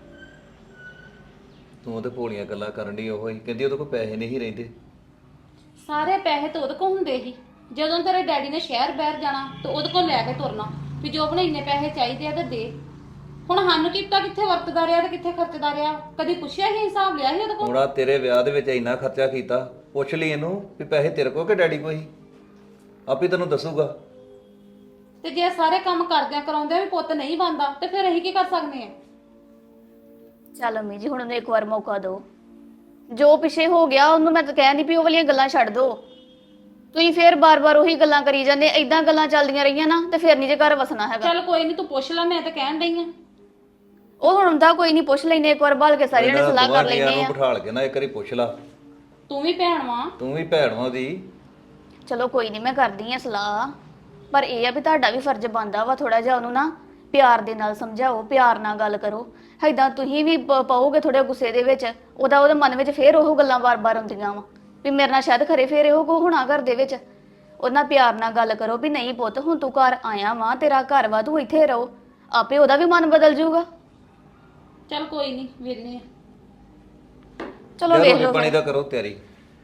S3: ਤੂੰ ਉਹਦੇ ਭੋਲੀਆਂ ਗੱਲਾਂ ਕਰਨ ਦੀ ਉਹ ਹੀ ਕਹਿੰਦੀ ਉਹਦੇ ਕੋਲ ਪੈਸੇ ਨਹੀਂ ਰਹਿੰਦੇ।
S4: ਸਾਰੇ ਪੈਸੇ ਤਾਂ ਉਹਦੇ ਕੋਲ ਹੁੰਦੇ ਸੀ, ਜਦੋਂ ਤੇਰੇ ਡੈਡੀ ਨੇ ਸ਼ਹਿਰ ਬਾਹਰ ਜਾਣਾ ਤੇ ਉਹਦੇ ਕੋਲ ਲੈ ਕੇ ਤੁਰਨਾ ਵੀ ਜੋ ਆਪਣੇ ਇੰਨੇ ਪੈਸੇ ਚਾਹੀਦੇ ਆ ਤੇ ਦੇ। ਹੁਣ ਸਾਨੂੰ ਕੀ ਪਤਾ ਕਿੱਥੇ ਵਰਤਦਾ ਰਿਹਾ ਤੇ ਕਿੱਥੇ ਖਰਚਦਾ ਰਿਹਾ, ਕਦੀ ਪੁੱਛਿਆ ਹੀ ਹਿਸਾਬ ਲਿਆ ਸੀ ਉਹਦੇ ਕੋਲ?
S3: ਹੁਣ ਆ ਤੇਰੇ ਵਿਆਹ ਦੇ ਵਿੱਚ ਇੰਨਾ ਖਰਚਾ ਕੀਤਾ, ਪੁੱਛ ਲਈ ਇਹਨੂੰ ਵੀ ਪੈਸੇ ਤੇਰੇ ਕੋਲ ਕਿ ਡੈਡੀ ਕੋਲ ਹੀ, ਆਪੇ ਤੈਨੂੰ ਦੱਸੂਗਾ।
S4: ਤੇ ਜੇ ਸਾਰੇ ਕੰਮ ਕਰਦਿਆਂ ਕਰਾਉਂਦਿਆਂ ਵੀ ਪੁੱਤ ਨਹੀਂ ਬਣਦਾ ਤੇ ਫਿਰ ਅਸੀਂ ਕੀ ਕਰ ਸਕਦੇ ਆ?
S6: ਚੱਲ ਅੰਮੀ ਜੀ ਹੁਣ ਉਹਨੂੰ ਇੱਕ ਵਾਰ ਮੌਕਾ ਦਿਓ। ਜੋ ਪਿੱਛੇ ਹੋ ਗਿਆ ਉਹਨੂੰ ਮੈਂ ਤਾਂ ਕਹਿ ਨਹੀਂ ਵੀ ਉਹ ਵਾਲੀਆਂ ਗੱਲਾਂ ਛੱਡ ਦਿਓ। ਤੁਸੀਂ ਫੇਰ ਬਾਰ-ਬਾਰ ਉਹੀ ਗੱਲਾਂ ਕਰੀ ਜਾਂਦੇ, ਏਦਾਂ ਗੱਲਾਂ ਚੱਲਦੀਆਂ ਰਹੀਆਂ ਨਾ ਤੇ ਫਿਰ ਨਹੀਂ ਜੇ ਘਰ ਵਸਣਾ ਹੈਗਾ।
S4: ਚੱਲ ਕੋਈ ਨਹੀਂ ਤੂੰ ਪੁੱਛ ਲੈ, ਮੈਂ ਤਾਂ ਕਹਿਣ ਡਈ ਆ।
S6: ਉਹ ਹੁਣ ਹੁੰਦਾ ਕੋਈ ਨਹੀਂ, ਪੁੱਛ ਲੈਨੇ ਇੱਕ ਵਾਰ ਬਾਲ ਕੇ ਸਾਰਿਆਂ ਨੇ ਸਲਾਹ ਕਰ
S3: ਯਾਰ
S6: ਲੈਨੇ
S3: ਨੂੰ
S6: ਆ।
S3: ਬਿਠਾਲ ਕੇ ਨਾ ਇੱਕ ਵਾਰੀ ਪੁੱਛ ਲਾ।
S4: ਤੂੰ ਵੀ ਭੈਣ ਵਾਂ।
S3: ਤੂੰ ਵੀ ਭੈਣ ਵਾਂ ਉਹਦੀ।
S6: ਚਲੋ ਕੋਈ ਨਹੀਂ, ਮੈਂ ਕਰਦੀ ਆ ਸਲਾਹ, ਪਰ ਇਹ ਆ ਵੀ ਤੁਹਾਡਾ ਵੀ ਫਰਜ਼ ਬਣਦਾ ਵਾ ਥੋੜਾ ਜਿਹਾ ਉਹਨੂੰ ਨਾ ਪਿਆਰ ਦੇ ਨਾਲ ਸਮਝਾਓ, ਪਿਆਰ ਨਾਲ ਗੱਲ ਕਰੋ। ਏਦਾਂ ਤੁਸੀਂ ਵੀ ਪ- ਪਾਓਗੇ ਥੋੜੇ ਗੁੱਸੇ ਦੇ ਵਿੱਚ, ਉਹਦਾ ਉਹਦੇ ਮਨ ਵਿੱਚ ਫੇਰ ਉਹ ਗੱਲਾਂ ਵਾਰ-ਵਾਰ ਆਉਂਦੀਆਂ ਵਾ ਵੀ ਮੇਰੇ ਨਾਲ ਸ਼ਾਇਦ ਖਰੇ ਫੇਰ ਇਹੋ ਕੋ ਹੋਣਾ ਘਰ ਦੇ ਵਿੱਚ। ਉਹਦੇ ਨਾਲ ਪਿਆਰ ਨਾਲ ਗੱਲ ਕਰੋ ਵੀ ਨਹੀਂ ਪੁੱਤ, ਹੁਣ ਤੂੰ ਘਰ ਆਇਆ ਵਾ, ਤੇਰਾ ਘਰ ਵਾ, ਤੂੰ ਇੱਥੇ ਰਹੋ, ਆਪੇ ਉਹਦਾ ਵੀ ਮਨ ਬਦਲ ਜਾਊਗਾ।
S4: ਚੱਲ ਕੋਈ ਨਹੀਂ, ਵੇਖਨੇ ਆ।
S6: ਚਲੋ ਵੇਖ
S3: ਰੋਟੀ
S6: ਲਓ
S3: ਪਾਣੀ
S6: ਫਿਰ।
S3: ਦਾ ਕਰੋ ਤਿਆਰੀ।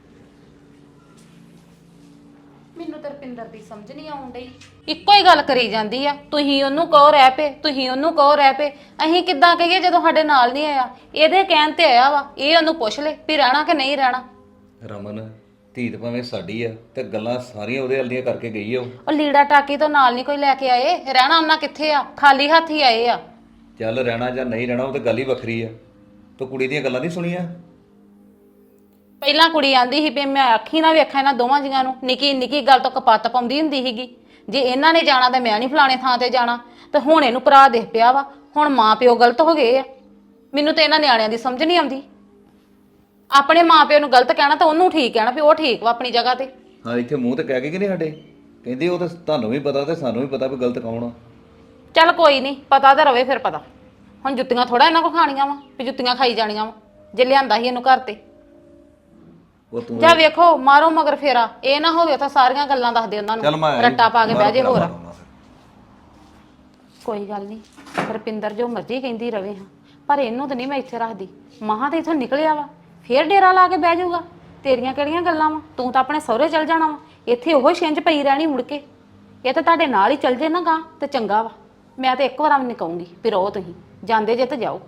S4: ਮੈਨੂੰ ਤਾਂ ਰੁਪਿੰਦਰ ਦੀ ਸਮਝ ਨਹੀਂ ਆਉਣ ਡਈ। ਇੱਕੋ ਹੀ ਗੱਲ ਕਰੀ ਜਾਂਦੀ ਆ, ਤੁਸੀਂ ਉਹਨੂੰ ਕਹੋ ਰਹਿ ਪਏ, ਤੁਸੀਂ ਉਹਨੂੰ ਕਹੋ ਰਹਿ ਪਏ। ਅਸੀਂ ਕਿੱਦਾਂ ਕਹੀਏ ਜਦੋਂ ਸਾਡੇ ਨਾਲ ਨਹੀਂ ਆਇਆ? ਇਹਦੇ ਕਹਿਣ ਤੇ ਆਇਆ ਵਾ, ਇਹ ਉਹਨੂੰ ਪੁੱਛ ਲੈ ਵੀ ਰਹਿਣਾ ਕਿ ਨਹੀਂ ਰਹਿਣਾ।
S3: ਰਮਨ ਧੀ ਤਾਂ ਭਾਵੇਂ ਸਾਡੀ ਆ ਤੇ ਗੱਲਾਂ ਸਾਰੀਆਂ ਉਹਦੇ ਹਲਦੀਆਂ ਕਰਕੇ ਗਈ ਆ ਉਹ।
S4: ਉਹ ਲੀੜਾ ਟਾਕੀ ਤੋਂ ਨਾਲ ਨਹੀਂ ਕੋਈ ਲੈ ਕੇ ਆਏ, ਰਹਿਣਾ ਉਹਨਾਂ ਕਿੱਥੇ ਆ? ਖਾਲੀ ਹੱਥ ਹੀ ਆਏ ਆ।
S3: ਚੱਲ ਰਹਿਣਾ ਜਾਂ ਨਹੀਂ ਰਹਿਣਾ ਉਹ ਤਾਂ ਗੱਲ ਹੀ ਵੱਖਰੀ ਆ। ਤੂੰ ਕੁੜੀ ਦੀਆਂ ਗੱਲਾਂ ਨਹੀਂ ਸੁਣੀਆਂ?
S4: ਪਹਿਲਾਂ ਕੁੜੀ ਆਂਦੀ ਸੀ ਵੀ ਮੈਂ ਅੱਖੀ ਨਾ ਵੇਖਾਂ ਇਹਨਾਂ ਦੋਵਾਂ ਜੀਆਂ ਨੂੰ, ਨਿੱਕੀ ਨਿੱਕੀ ਗੱਲ ਤੋਂ ਕਪੱਤ ਪਾਉਂਦੀ ਹੁੰਦੀ ਸੀਗੀ, ਜੇ ਇਹਨਾਂ ਨੇ ਜਾਣਾ ਤਾਂ ਮੈਂ ਨਹੀਂ ਫਲਾਣੇ ਥਾਂ ਤੇ ਜਾਣਾ। ਤੇ ਹੁਣ ਇਹਨੂੰ ਭਰਾ ਦੇਖ ਪਿਆ ਵਾ, ਹੁਣ ਮਾਂ ਪਿਓ ਗਲਤ ਹੋ ਗਏ ਆ। ਮੈਨੂੰ ਤੇ ਇਹਨਾਂ ਨਿਆਣਿਆਂ ਦੀ ਸਮਝ ਨਹੀਂ ਆਉਂਦੀ। ਆਪਣੇ ਮਾਂ ਪਿਓ ਨੂੰ ਗਲਤ ਕਹਿਣਾ ਤਾਂ ਉਹਨੂੰ ਠੀਕ ਕਹਿਣਾ ਵੀ ਉਹ ਠੀਕ ਵਾ ਆਪਣੀ ਜਗ੍ਹਾ ਤੇ।
S3: ਹਾਂ ਇੱਥੇ ਮੂੰਹ ਤੇ ਕਹਿ ਕੇ ਕਿ ਨਹੀਂ ਸਾਡੇ ਕਹਿੰਦੀ ਉਹ ਤਾਂ ਤੁਹਾਨੂੰ ਵੀ ਪਤਾ ਤੇ ਸਾਨੂੰ ਵੀ ਪਤਾ ਵੀ ਗਲਤ ਕੌਣ ਆ।
S4: ਚੱਲ ਕੋਈ ਨਹੀਂ, ਪਤਾ ਤਾਂ ਰਵੇ ਫਿਰ ਪਤਾ। ਹੁਣ ਜੁੱਤੀਆਂ ਥੋੜਾ ਇਹਨਾਂ ਕੋ ਖਾਣੀਆਂ ਵਾ ਵੀ ਜੁੱਤੀਆਂ ਖਾਈ ਜਾਣੀਆਂ ਵਾ ਜੇ ਲਿਆਂਦਾ ਸੀ ਇਹਨੂੰ ਘਰ ਤੇ।
S3: ਉਹ ਤੂੰ
S4: ਜਾ ਵੇਖੋ ਮਾਰੋ ਮਗਰ ਫੇਰਾ, ਇਹ ਨਾ ਹੋਵੇ ਤਾਂ ਸਾਰੀਆਂ ਗੱਲਾਂ ਦੱਸ ਦੇ ਉਹਨਾਂ
S3: ਚੱਲ ਮੈਂ
S4: ਨੂੰ, ਰੱਟਾ ਪਾ ਕੇ ਬਹਿ ਜੇ ਹੋਰ।
S3: ਮਾਰੂੰਗਾ ਫਿਰ।
S4: ਕੋਈ ਗੱਲ ਨਹੀਂ, ਰੁਪਿੰਦਰ ਜੋ ਮਰਜ਼ੀ ਕਹਿੰਦੀ ਰਵੇ ਹਾਂ, ਪਰ ਇਹਨੂੰ ਤਾਂ ਨਹੀਂ ਮੈਂ ਇੱਥੇ ਰੱਖਦੀ। ਮਹਾਂ ਤਾਂ ਇੱਥੋਂ ਨਿਕਲਿਆ ਵਾ, ਫੇਰ ਡੇਰਾ ਲਾ ਕੇ ਬਹਿ ਜਾਊਗਾ। ਤੇਰੀਆਂ ਕਿਹੜੀਆਂ ਗੱਲਾਂ ਵਾ? ਤੂੰ ਤਾਂ ਆਪਣੇ ਸਹੁਰੇ ਚਲ ਜਾਣਾ ਵਾ, ਇੱਥੇ ਉਹੋ ਛਿੰਝ ਪਈ ਰਹਿਣੀ ਮੁੜ ਕੇ। ਇਹ ਤਾਂ ਤੁਹਾਡੇ ਨਾਲ ਹੀ ਚੱਲ ਜੇ ਨਾ ਗਾਂ ਤੇ ਚੰਗਾ ਵਾ। ਮੈਂ ਤਾਂ ਇੱਕ ਵਾਰ ਵੀ ਨਹੀਂ ਕਹੂੰਗੀ ਵੀ ਰਹੋ, ਤੁਸੀਂ ਜਾਂਦੇ ਜੇ ਤੇ ਜਾਓ।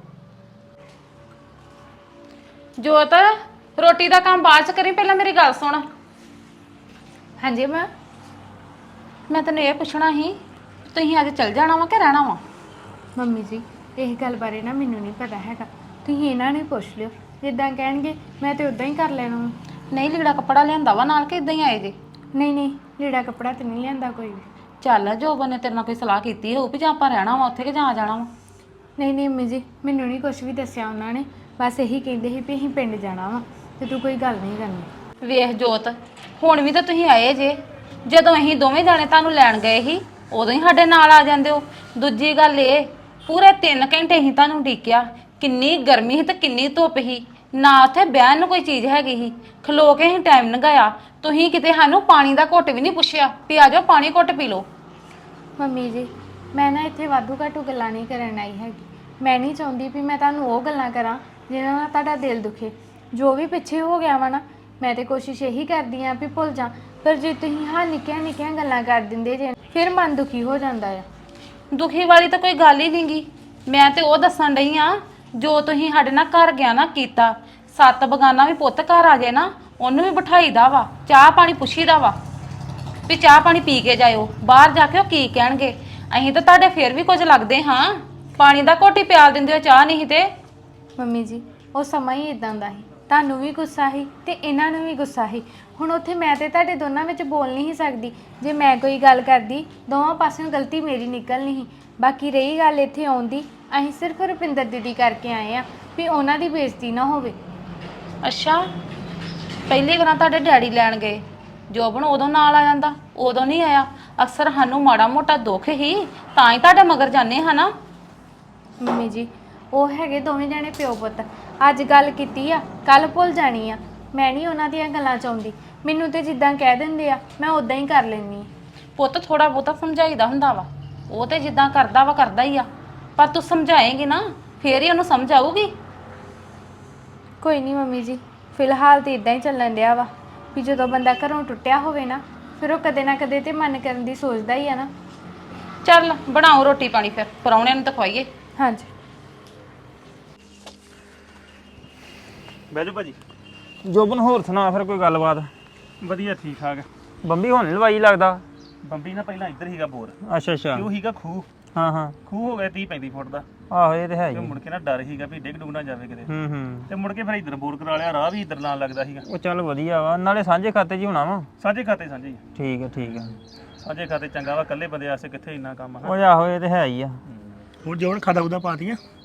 S4: ਜੋਤ, ਰੋਟੀ ਦਾ ਕੰਮ ਬਾਅਦ ਚ ਕਰੀ, ਪਹਿਲਾਂ ਮੇਰੀ ਗੱਲ ਸੁਣ।
S5: ਹਾਂਜੀ ਮੈਂ
S4: ਮੈਂ ਤੈਨੂੰ ਇਹ ਪੁੱਛਣਾ ਸੀ, ਤੁਸੀਂ ਅੱਜ ਚੱਲ ਜਾਣਾ ਵਾ ਕਿ ਰਹਿਣਾ ਵਾ?
S5: ਮੰਮੀ ਜੀ ਇਹ ਗੱਲ ਬਾਰੇ ਨਾ ਮੈਨੂੰ ਨਹੀਂ ਪਤਾ ਹੈਗਾ, ਤੁਸੀਂ ਇਹਨਾਂ ਨੂੰ ਹੀ ਪੁੱਛ ਲਿਓ। ਜਿੱਦਾਂ ਕਹਿਣਗੇ ਮੈਂ ਤੇ ਉਦਾਂ ਹੀ ਕਰ ਲੈਣਾ ਵਾ।
S4: ਨਹੀਂ ਲੀੜਾ ਕੱਪੜਾ ਲਿਆਂਦਾ ਵਾ ਨਾਲ ਕਿ ਇਦਾਂ ਹੀ ਆਏ ਜੇ?
S5: ਨਹੀਂ ਨਹੀਂ ਲੀੜਾ ਕੱਪੜਾ ਤੇ ਨਹੀਂ ਲਿਆਂਦਾ ਕੋਈ ਵੀ।
S4: ਚੱਲ ਜੋਬਨ ਨੇ ਤੇਰੇ ਨਾਲ ਕੋਈ ਸਲਾਹ ਕੀਤੀ ਹੋਊ ਵੀ ਜਾਂ ਆਪਾਂ ਰਹਿਣਾ ਵਾ ਉੱਥੇ ਕਿ ਜਾਂ ਆ ਜਾਣਾ ਵਾ?
S5: ਨਹੀਂ ਨਹੀਂ ਮੰਮੀ ਜੀ ਮੈਨੂੰ ਨਹੀਂ ਕੁਝ ਵੀ ਦੱਸਿਆ ਉਹਨਾਂ ਨੇ, ਬਸ ਇਹੀ ਕਹਿੰਦੇ ਸੀ ਵੀ ਅਸੀਂ ਪਿੰਡ ਜਾਣਾ ਵਾ ਤੇ ਤੂੰ ਕੋਈ ਗੱਲ ਨਹੀਂ ਕਰਨੀ।
S4: ਵੇਖ ਜੋਤ, ਹੁਣ ਵੀ ਤਾਂ ਤੁਸੀਂ ਆਏ ਜੇ, ਜਦੋਂ ਅਸੀਂ ਦੋਵੇਂ ਜਾਣੇ ਤੁਹਾਨੂੰ ਲੈਣ ਗਏ ਸੀ ਉਦੋਂ ਹੀ ਸਾਡੇ ਨਾਲ ਆ ਜਾਂਦੇ ਹੋ। ਦੂਜੀ ਗੱਲ ਇਹ, ਪੂਰੇ ਤਿੰਨ ਘੰਟੇ ਹੀ ਤੁਹਾਨੂੰ ਢੀਕਿਆ, ਕਿੰਨੀ ਗਰਮੀ ਸੀ ਤੇ ਕਿੰਨੀ ਧੁੱਪ ਸੀ, ਨਾ ਉੱਥੇ ਬਹਿਣ ਨੂੰ ਕੋਈ ਚੀਜ਼ ਹੈਗੀ ਸੀ, ਖਲੋ ਕੇ ਹੀ ਟਾਈਮ ਲੰਘਾਇਆ। ਤੁਸੀਂ ਕਿਤੇ ਸਾਨੂੰ ਪਾਣੀ ਦਾ ਘੁੱਟ ਵੀ ਨਹੀਂ ਪੁੱਛਿਆ ਵੀ ਆ ਜਾਓ ਪਾਣੀ ਘੁੱਟ ਪੀ ਲਓ।
S5: ਮੰਮੀ ਜੀ ਮੈਂ ਨਾ ਇੱਥੇ ਵਾਧੂ ਘਾਟੂ ਗੱਲਾਂ ਨਹੀਂ ਕਰਨ ਆਈ ਹੈਗੀ। ਮੈਂ ਨਹੀਂ ਚਾਹੁੰਦੀ ਵੀ ਮੈਂ ਤੁਹਾਨੂੰ ਉਹ ਗੱਲਾਂ ਕਰਾਂ ਜਿਹਨਾਂ ਨਾਲ ਤੁਹਾਡਾ ਦਿਲ ਦੁਖੇ। ਜੋ ਵੀ ਪਿੱਛੇ ਹੋ ਗਿਆ ਵਾ ਨਾ, ਮੈਂ ਤੇ ਕੋਸ਼ਿਸ਼ ਇਹੀ ਕਰਦੀ ਆਂ ਵੀ ਭੁੱਲ ਜਾ, ਪਰ ਜੇ ਤੁਸੀਂ ਹਾਂ ਨਿੱਕੀਆਂ ਨਿੱਕੀਆਂ ਗੱਲਾਂ ਕਰ ਦਿੰਦੇ ਜੇ ਫਿਰ ਮਨ ਦੁਖੀ ਹੋ ਜਾਂਦਾ ਆ।
S4: ਦੁਖੀ ਵਾਲੀ ਤਾਂ ਕੋਈ ਗੱਲ ਹੀ ਨਹੀਂਗੀ, ਮੈਂ ਤੇ ਉਹ ਦੱਸਣ ਡਈ ਆ ਜੋ ਤੁਸੀਂ ਸਾਡੇ ਨਾਲ ਘਰ ਗਿਆ ਨਾ ਕੀਤਾ। ਸੱਤ ਬਗਾਨਾ ਵੀ ਪੁੱਤ ਘਰ ਆ ਜਾਏ ਨਾ, ਉਹਨੂੰ ਵੀ ਬਿਠਾਈਦਾ ਵਾ, ਚਾਹ ਪਾਣੀ ਪੁੱਛੀਦਾ ਵਾ ਵੀ ਚਾਹ ਪਾਣੀ ਪੀ ਕੇ ਜਾਇਓ। ਬਾਹਰ ਜਾ ਕੇ ਉਹ ਕੀ ਕਹਿਣਗੇ? ਅਸੀਂ ਤਾਂ ਤੁਹਾਡੇ ਫੇਰ ਵੀ ਕੁਝ ਲੱਗਦੇ ਹਾਂ, ਪਾਣੀ ਦਾ ਘੋਟੀ ਪਿਆਲ ਦਿੰਦੇ ਹੋ, ਚਾਹ ਨਹੀਂ ਤੇ।
S5: ਮੰਮੀ ਜੀ ਉਹ ਸਮਾਂ ਹੀ ਇਦਾਂ ਦਾ ਸੀ, ਤੁਹਾਨੂੰ ਵੀ ਗੁੱਸਾ ਸੀ ਤੇ ਇਹਨਾਂ ਨੂੰ ਵੀ ਗੁੱਸਾ ਸੀ। ਹੁਣ ਉੱਥੇ ਮੈਂ ਤੇ ਤੁਹਾਡੇ ਦੋਨਾਂ ਵਿੱਚ ਬੋਲ ਨਹੀਂ ਸਕਦੀ। ਜੇ ਮੈਂ ਕੋਈ ਗੱਲ ਕਰਦੀ ਦੋਵਾਂ ਪਾਸਿਓਂ ਗਲਤੀ ਮੇਰੀ ਨਿਕਲਣੀ ਸੀ। ਬਾਕੀ ਰਹੀ ਗੱਲ ਇੱਥੇ ਆਉਂਦੀ, ਅਸੀਂ ਸਿਰਫ ਰੁਪਿੰਦਰ ਦੀਦੀ ਕਰਕੇ ਆਏ ਆ ਵੀ ਉਹਨਾਂ ਦੀ ਬੇਇੱਜ਼ਤੀ ਨਾ ਹੋਵੇ।
S4: ਅੱਛਾ, ਪਹਿਲੀ ਵਾਰ ਤੁਹਾਡੇ ਡੈਡੀ ਲੈਣ ਗਏ, ਜੋਬਨ ਉਦੋਂ ਨਾਲ ਆ ਜਾਂਦਾ, ਉਦੋਂ ਨਹੀਂ ਆਇਆ। ਅਕਸਰ ਸਾਨੂੰ ਮਾੜਾ ਮੋਟਾ ਦੁੱਖ ਹੀ ਤਾਂ ਹੀ ਤੁਹਾਡੇ ਮਗਰ ਜਾਂਦੇ ਹਾਂ ਨਾ।
S5: ਮੰਮੀ ਜੀ ਉਹ ਹੈਗੇ ਦੋਵੇਂ ਜਣੇ ਪਿਓ ਪੁੱਤ, ਅੱਜ ਗੱਲ ਕੀਤੀ ਆ ਕੱਲ ਭੁੱਲ ਜਾਣੀ ਆ। ਮੈਂ ਨਹੀਂ ਉਹਨਾਂ ਦੀਆਂ ਗੱਲਾਂ ਚਾਹੁੰਦੀ, ਮੈਨੂੰ ਤੇ ਜਿੱਦਾਂ ਕਹਿ ਦਿੰਦੇ ਆ ਮੈਂ ਉਦਾਂ ਹੀ ਕਰ ਲੈਂਦੀ।
S4: ਪੁੱਤ ਥੋੜਾ ਬਹੁਤਾ ਸਮਝਾਈਦਾ ਹੁੰਦਾ ਵਾ, ਉਹ ਤੇ ਜਿੱਦਾਂ ਕਰਦਾ ਵਾ ਕਰਦਾ ਹੀ ਆ, ਪਰ ਤੂੰ ਸਮਝਾਏਂਗੀ ਨਾ ਫੇਰ ਹੀ ਉਹਨੂੰ ਸਮਝ ਆਊਗੀ।
S5: ਕੋਈ ਨਹੀਂ ਮੰਮੀ ਜੀ, ਫਿਲਹਾਲ ਤੇ ਇਦਾਂ ਹੀ ਚੱਲਣ ਡਿਆ ਵਾ ਵੀ ਜਦੋਂ ਬੰਦਾ ਘਰੋਂ ਟੁੱਟਿਆ ਹੋਵੇ ਨਾ ਫਿਰ ਉਹ ਕਦੇ ਨਾ ਕਦੇ ਤੇ ਮਨ ਕਰਨ ਦੀ ਸੋਚਦਾ ਹੀ ਆ ਨਾ।
S4: ਚੱਲ ਬਣਾਓ ਰੋਟੀ ਪਾਣੀ, ਫਿਰ ਪਰੌਣਿਆਂ ਨੂੰ ਤਾਂ ਖਵਾਈਏ।
S5: ਹਾਂਜੀ
S1: ਬਹਿ ਜਾਓ ਭਾਜੀ।
S7: ਜੋਬਨ ਹੋਰ ਸੁਣਾ ਫਿਰ ਕੋਈ ਗੱਲਬਾਤ?
S1: ਵਧੀਆ ਠੀਕ ਠਾਕ।
S7: ਬੰਬੀ ਹੁਣ ਨੀ ਲਵਾਈ ਲੱਗਦਾ।
S1: ਬੰਬੀ ਨਾ ਪਹਿਲਾਂ ਇੱਧਰ ਹੀਗਾ ਬੋਰ,
S7: ਅੱਛਾ ਅੱਛਾ,
S1: ਤੇ ਉਹ ਹੀਗਾ ਖੂਹ।
S7: ਹਾਂ ਹਾਂ,
S1: ਖੂਹ ਹੋ ਗਿਆ ਤੀਹ ਪੈਂਤੀ ਫੁੱਟ ਦਾ,
S7: ਆਹੋ ਇਹ ਤੇ ਹੈ
S1: ਤੇ
S7: ਹੀ।
S1: ਮੁੜ ਕੇ ਨਾ ਡਰ ਹੀਗਾ ਵੀ ਡਿੱਗ ਡੁੱਗ ਨਾ ਜਾਵੇ ਕਿਤੇ।
S7: ਹੂੰ ਹੂੰ,
S1: ਤੇ ਮੁੜ ਕੇ ਫਿਰ ਇੱਧਰ ਬੋਰ ਕਰਾ ਲਿਆ, ਰਾਹ ਵੀ ਇੱਧਰ ਨਾਲ ਲੱਗਦਾ ਸੀਗਾ।
S7: ਉਹ ਚੱਲ ਵਧੀਆ ਵਾ, ਨਾਲੇ ਸਾਂਝੇ ਖਾਤੇ 'ਚ ਹੀ ਹੋਣਾ ਵਾ।
S1: ਸਾਂਝੇ ਖਾਤੇ ਸਾਂਝੇ ਹੀ ਆ।
S7: ਠੀਕ ਹੈ ਠੀਕ ਹੈ,
S1: ਸਾਂਝੇ ਖਾਤੇ ਚੰਗਾ ਵਾ, ਇਕੱਲੇ ਬੰਦੇ ਵਾਸਤੇ ਕਿੱਥੇ ਇੰਨਾ ਕੰਮ ਆ।
S7: ਉਹ ਆਹੋ ਇਹ ਤੇ ਹੈ ਹੀ ਆ।
S2: ਹੁਣ ਜੋਣ ਖਾਦਾ ਉਹਦਾ ਪਾਤੀਆਂ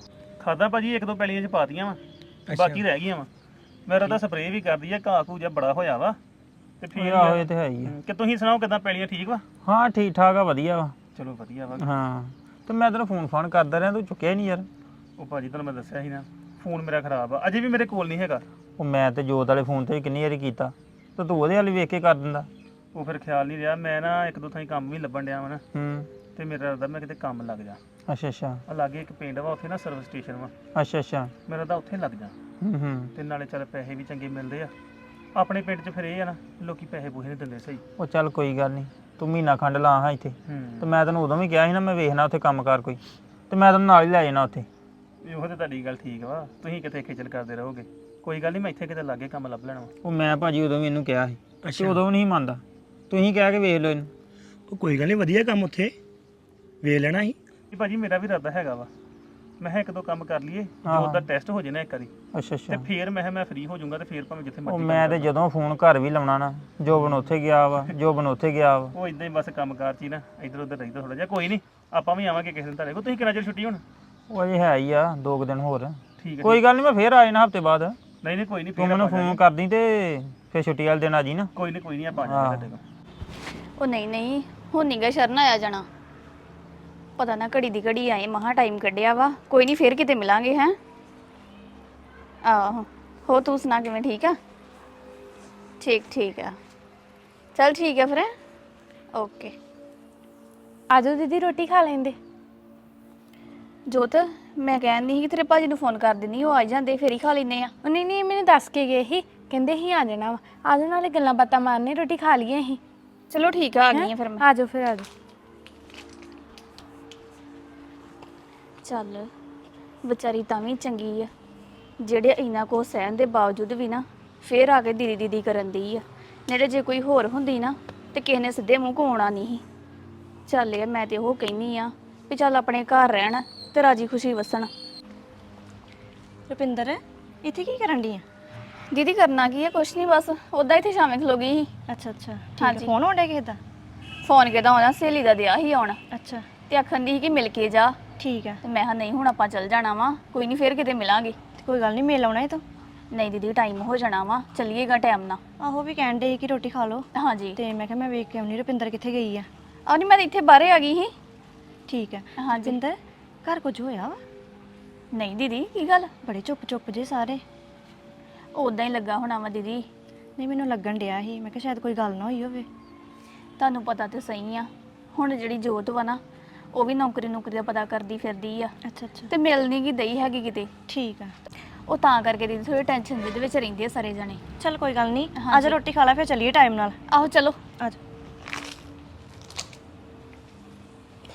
S2: ਖਾਦਾ ਭਾਜੀ ਇੱਕ ਦੋ ਪੈਲੀਆਂ ਚ ਪਾਤੀਆਂ ਵਾ ਬਾਕੀ ਰਹਿ ਗਈਆਂ ਵਾ ਮੇਰਾ ਤਾਂ ਸਪਰੇਅ ਵੀ ਕਰਦੀ ਆ ਘਾਹ ਘੂ ਜਿਹਾ ਬੜਾ ਹੋਇਆ ਵਾ ਤੇ ਫਿਰ
S7: ਆਹੋ ਇਹ ਤੇ ਹੈ ਹੀ ਆ।
S2: ਕਿ ਤੁਸੀਂ ਸੁਣਾਓ ਕਿਦਾਂ ਪੈਲੀਆਂ ਠੀਕ ਵਾ
S7: ਹਾਂ ਠੀਕ ਠਾਕ ਆ ਵਧੀਆ ਵਾ।
S2: ਚਲੋ ਵਧੀਆ ਵਾ
S7: ਹਾਂ ਤੇ ਮੈਂ ਤੈਨੂੰ ਫੋਨ ਫਾਨ ਕਰਦਾ ਰਿਹਾ ਤੂੰ ਚੁੱਕਿਆ ਨਹੀਂ ਯਾਰ।
S2: ਉਹ ਭਾਜੀ ਤੁਹਾਨੂੰ ਮੈਂ ਦੱਸਿਆ ਸੀ ਨਾ ਫੋਨ ਮੇਰਾ ਖਰਾਬ ਆ ਅਜੇ ਵੀ ਮੇਰੇ ਕੋਲ ਨਹੀਂ ਹੈਗਾ।
S7: ਉਹ ਮੈਂ ਤੇ ਜੋਤ ਵਾਲੇ ਫੋਨ ਤੇ ਕਿੰਨੀ ਵਾਰੀ ਕੀਤਾ ਤੇ ਤੂੰ ਉਹਦੇ ਵਾਲੀ ਵੇਖ ਕੇ ਕਰ ਦਿੰਦਾ।
S2: ਉਹ ਫਿਰ ਖਿਆਲ ਨਹੀਂ ਰਿਹਾ ਮੈਂ ਨਾ ਇੱਕ ਦੋ ਥਾਂ ਕੰਮ ਵੀ ਲੱਭਣ ਡਿਆ ਵਾ ਨਾ
S7: ਹੂੰ
S2: ਤੇ ਮੇਰਾ ਰੱਦਾ ਮੈਂ ਕਿਤੇ ਕੰਮ ਲੱਗ ਜਾ
S7: ਅੱਛਾ ਅੱਛਾ
S2: ਆ ਲਾਗੇ ਇੱਕ ਪਿੰਡ ਵਾ ਉੱਥੇ ਨਾ ਸਰਵਿਸ ਸਟੇਸ਼ਨ ਵਾ
S7: ਅੱਛਾ ਅੱਛਾ
S2: ਮੇਰਾ ਤਾਂ ਉੱਥੇ ਲੱਗ ਜਾ
S7: ਹੂੰ ਹੂੰ
S2: ਤੇ ਨਾਲੇ ਚੱਲ ਪੈਸੇ ਵੀ ਚੰਗੇ ਮਿਲਦੇ ਆ ਆਪਣੇ ਪਿੰਡ 'ਚ ਫਿਰ ਇਹ ਆ ਨਾ ਲੋਕੀ ਪੈਸੇ ਪੂਸੇ ਨਹੀਂ ਦਿੰਦੇ ਸਹੀ।
S7: ਉਹ ਚੱਲ ਕੋਈ ਗੱਲ ਨਹੀਂ ਤੂੰ ਮਹੀਨਾ ਖੰਡ ਲਾ ਹਾਂ ਇੱਥੇ
S2: ਹੂੰ
S7: ਤੇ ਮੈਂ ਤੈਨੂੰ ਉਦੋਂ ਵੀ ਕਿਹਾ ਸੀ ਨਾ ਮੈਂ ਵੇਖਣਾ ਉੱਥੇ ਕੰਮ ਕਾਰ ਕੋਈ ਤੇ ਮੈਂ ਤੈਨੂੰ ਨਾਲ ਹੀ ਲੈ ਜਾਣਾ ਉੱਥੇ।
S2: ਇਹੋ ਤੇ ਤੁਹਾਡੀ ਗੱਲ ਠੀਕ ਵਾ ਤੁਸੀਂ ਕਿਤੇ ਖੇਚਲ ਕਰਦੇ ਰਹੋਗੇ ਕੋਈ ਗੱਲ ਨਹੀਂ ਮੈਂ ਇੱਥੇ ਕਿਤੇ ਲਾਗੇ ਕੰਮ ਲੱਭ ਲੈਣਾ ਵਾ।
S7: ਉਹ ਮੈਂ ਭਾਜੀ ਉਦੋਂ ਵੀ ਇਹਨੂੰ ਕਿਹਾ ਸੀ ਤੇ ਉਦੋਂ ਵੀ ਨਹੀਂ ਮੰਨਦਾ। ਤੁਸੀਂ ਕਹਿ ਕੇ ਵੇਖ ਲਓ ਇਹਨੂੰ।
S8: ਉਹ ਕੋਈ ਗੱਲ ਨਹੀਂ ਵਧੀਆ ਕੰਮ ਉੱਥੇ ਵੇਖ ਲੈਣਾ ਸੀ।
S2: ਇਹ ਭਾਜੀ ਮੇਰਾ ਵੀ ਇਰਾਦਾ ਹੈਗਾ ਵਾ ਮੈਂ ਕਿਹਾ ਇੱਕ ਦੋ ਕੰਮ ਕਰ ਲਈਏ ਜੋ ਦਾ ਟੈਸਟ ਹੋ ਜੇ ਨਾ ਇੱਕ ਵਾਰੀ
S7: ਅੱਛਾ
S2: ਤੇ
S7: ਅੱਛਾ
S2: ਫੇਰ ਮੈਂ ਕਿਹਾ ਮੈਂ ਫ੍ਰੀ ਹੋ ਜਾਊਂਗਾ ਤੇ ਫੇਰ ਭਾਵੇਂ ਜਿੱਥੇ
S7: ਉਹ
S2: ਮਰਜ਼ੀ
S7: ਮੈਂ ਤੇ ਜਦੋਂ ਫੋਨ ਘਰ ਵੀ ਲਾਉਣਾ ਨਾ ਜੋਬਨ ਉੱਥੇ ਗਿਆ ਵਾ ਜੋਬਨ ਉੱਥੇ ਗਿਆ ਵਾ।
S2: ਉਹ ਇਦਾਂ ਹੀ ਬਸ ਕੰਮਕਾਰ ਚ ਹੀ ਨਾ ਇੱਧਰ ਉੱਧਰ ਰਹਿੰਦਾ ਥੋੜਾ ਜਿਹਾ ਕੋਈ ਨਹੀਂ ਆਪਾਂ ਵੀ ਆਵਾਂਗੇ ਕਿਸੇ ਦਿਨ ਤੁਹਾਡੇ ਕੋਲ। ਤੁਸੀਂ ਕਿੰਨਾ ਚਿਰ ਛੁੱਟੀ ਹੁਣ?
S7: ਉਹ ਅਜੇ ਹੈ ਹੀ ਆ ਦੋ ਕੁ ਦਿਨ ਹੋਰ।
S2: ਠੀਕ ਹੈ
S7: ਕੋਈ ਗੱਲ ਨਹੀਂ ਮੈਂ ਫੇਰ ਆ ਜਾਣਾ ਹਫਤੇ ਬਾਅਦ।
S2: ਨਹੀਂ ਨਹੀਂ ਕੋਈ ਨਹੀਂ
S7: ਤੂੰ
S2: ਫੇਰ
S7: ਮੈਨੂੰ
S2: ਆਪਾਂ
S7: ਫੋਨ ਕਰਦੀ ਤੇ ਫੇਰ ਛੁੱਟੀ ਵਾਲੇ ਦਿਨ ਆ ਜੀ ਨਾ।
S2: ਕੋਈ ਨਹੀਂ ਕੋਈ ਨਹੀਂ ਆਪਾਂ ਆ ਜਾਵਾਂਗੇ ਤੁਹਾਡੇ ਕੋਲ।
S6: ਉਹ ਨਹੀਂ ਨਹੀਂ ਹੁਣ ਨੀਗਾ ਸ਼ਰਨ ਆਇਆ ਜਾਣਾ। ਪਤਾ ਨਾ ਘੜੀ ਦੀ ਘੜੀ ਆਏ ਮਹਾ ਟਾਈਮ ਕੱਢਿਆ ਵਾ ਕੋਈ ਨਹੀਂ ਫੇਰ ਕਿਤੇ ਮਿਲਾਂਗੇ ਹੈ। ਆਹੋ ਹੋ ਤੂੰ ਸੁਣਾ ਕਿਵੇਂ ਠੀਕ ਆ? ਠੀਕ ਠੀਕ ਆ ਚਲ ਠੀਕ ਆ ਫਿਰ ਓਕੇ।
S5: ਆਜੋ ਦੀਦੀ ਰੋਟੀ ਖਾ ਲੈਂਦੇ।
S6: ਜੋਤ ਮੈਂ ਕਹਿੰਦੀ ਸੀ ਕਿ ਤੇਰੇ ਭਾਜੀ ਨੂੰ ਫੋਨ ਕਰ ਦਿੰਦੀ ਉਹ ਆ ਜਾਂਦੇ ਫੇਰ ਹੀ ਖਾ ਲੈਨੇ ਆ।
S5: ਉਹ ਨਹੀਂ ਨਹੀਂ ਮੈਨੂੰ ਦੱਸ ਕੇ ਗਏ ਸੀ ਕਹਿੰਦੇ ਹੀ ਆ ਜਾਣਾ ਵਾ ਆਜੋ ਨਾਲੇ ਗੱਲਾਂ ਬਾਤਾਂ ਮਾਰਨੇ ਰੋਟੀ ਖਾ ਲਈਏ ਅਸੀਂ।
S6: ਚਲੋ ਠੀਕ ਆ ਆ ਗਈ ਆ ਫਿਰ ਮੈਂ।
S5: ਆਜੋ ਫਿਰ ਆਜੋ।
S6: ਚੱਲ ਵਿਚਾਰੀ ਤਾਂ ਵੀ ਚੰਗੀ ਆ ਜਿਹੜੇ ਇੰਨਾ ਕੋ ਸਹਿਣ ਦੇ ਬਾਵਜੂਦ ਵੀ ਨਾ ਫੇਰ ਆ ਕੇ ਦੀਦੀ ਦੀਦੀ ਕਰਨ ਦੀ ਆ। ਨੇੜੇ ਜੇ ਕੋਈ ਹੋਰ ਹੁੰਦੀ ਨਾ ਤੇ ਕਿਸੇ ਨੇ ਸਿੱਧੇ ਮੂੰਹ ਕੋਣਾ ਨਹੀਂ। ਚੱਲ ਯਾਰ ਮੈਂ ਤੇ ਉਹ ਕਹਿੰਨੀ ਆ ਵੀ ਚੱਲ ਆਪਣੇ ਘਰ ਰਹਿਣ ਤੇ ਰਾਜੀ ਖੁਸ਼ੀ ਵਸਣ।
S9: ਰੁਪਿੰਦਰ ਇੱਥੇ ਕੀ ਕਰਨ ਦੀ ਆ?
S6: ਦੀਦੀ ਕਰਨਾ ਕੀ ਹੈ ਕੁਛ ਨਹੀਂ ਬਸ ਉਦਾਂ ਇੱਥੇ ਸ਼ਾਮੇ ਖਲੋ ਗਈ ਸੀ।
S9: ਅੱਛਾ ਅੱਛਾ
S6: ਹਾਂਜੀ।
S9: ਫੋਨ ਆਉਂਦਾ ਕਿਸੇ ਦਾ?
S6: ਫੋਨ ਕਿਹਦਾ ਆਉਣਾ ਸਹੇਲੀ ਦਾ ਦਿਆ ਸੀ ਆਉਣ
S9: ਅੱਛਾ
S6: ਤੇ ਆਖਣ ਦੀ ਸੀ ਕਿ ਮਿਲ ਕੇ ਜਾ
S9: ਠੀਕ ਆ
S6: ਤੇ ਮੈਂ ਕਿਹਾ ਨਹੀਂ ਹੁਣ ਆਪਾਂ ਚੱਲ ਜਾਣਾ ਵਾ ਕੋਈ ਨਹੀਂ ਫੇਰ ਕਿਤੇ ਮਿਲਾਂਗੇ।
S9: ਤੇ ਕੋਈ ਗੱਲ ਨਹੀਂ ਮੇਲ ਆਉਣਾ ਇਹ ਤਾਂ।
S6: ਨਹੀਂ ਦੀਦੀ ਟਾਈਮ ਹੋ ਜਾਣਾ ਵਾ ਚੱਲੀਏਗਾ ਟਾਈਮ ਨਾਲ।
S9: ਆਹੋ ਵੀ ਕਹਿਣ ਦੇ ਕਿ ਰੋਟੀ ਖਾ ਲਓ
S6: ਹਾਂਜੀ
S9: ਤੇ ਮੈਂ ਕਿਹਾ ਮੈਂ ਵੇਖ ਕੇ ਆਉਣੀ ਰੁਪਿੰਦਰ ਕਿੱਥੇ ਗਈ ਆ।
S6: ਆ ਨਹੀਂ ਮੈਂ ਤਾਂ ਇੱਥੇ ਬਾਹਰੇ ਆ ਗਈ ਸੀ।
S9: ਠੀਕ ਆ
S6: ਹਾਂਜੀ।
S9: ਰੁਪਿੰਦਰ ਘਰ ਕੁਝ ਹੋਇਆ ਵਾ?
S6: ਨਹੀਂ ਦੀਦੀ ਕੀ ਗੱਲ?
S9: ਬੜੇ ਚੁੱਪ ਚੁੱਪ ਜੇ ਸਾਰੇ।
S6: ਉਦਾਂ ਹੀ ਲੱਗਾ ਹੋਣਾ ਵਾ ਦੀਦੀ।
S9: ਨਹੀਂ ਮੈਨੂੰ ਲੱਗਣ ਡਿਆ ਸੀ ਮੈਂ ਕਿਹਾ ਸ਼ਾਇਦ ਕੋਈ ਗੱਲ ਨਾ ਹੋਈ ਹੋਵੇ।
S6: ਤੁਹਾਨੂੰ ਪਤਾ ਤੇ ਸਹੀ ਆ ਹੁਣ ਜਿਹੜੀ ਜੋਤ ਵਾ ਨਾ ਉਹ ਵੀ ਨੌਕਰੀ ਨੌਕਰੀ ਦਾ ਪਤਾ ਕਰਦੀ ਫਿਰਦੀ ਆ
S9: ਅੱਛਾ ਅੱਛਾ
S6: ਤੇ ਮਿਲ ਨਹੀਂ ਗਈ ਦਈ ਹੈਗੀ ਕਿਤੇ।
S9: ਠੀਕ ਆ
S6: ਉਹ ਤਾਂ ਕਰਕੇ ਦੀਦੀ ਥੋੜੀ ਟੈਨਸ਼ਨ ਦੇ ਵਿੱਚ ਰਹਿੰਦੇ ਆ ਸਾਰੇ ਜਣੇ।
S9: ਚਲ ਕੋਈ ਗੱਲ ਨਹੀਂ
S6: ਹਾਂਜੀ।
S9: ਅੱਜ ਰੋਟੀ ਖਾ ਲੈ ਫਿਰ ਚੱਲੀਏ ਟਾਈਮ ਨਾਲ।
S6: ਆਹੋ ਚਲੋ
S9: ਆਜੋ।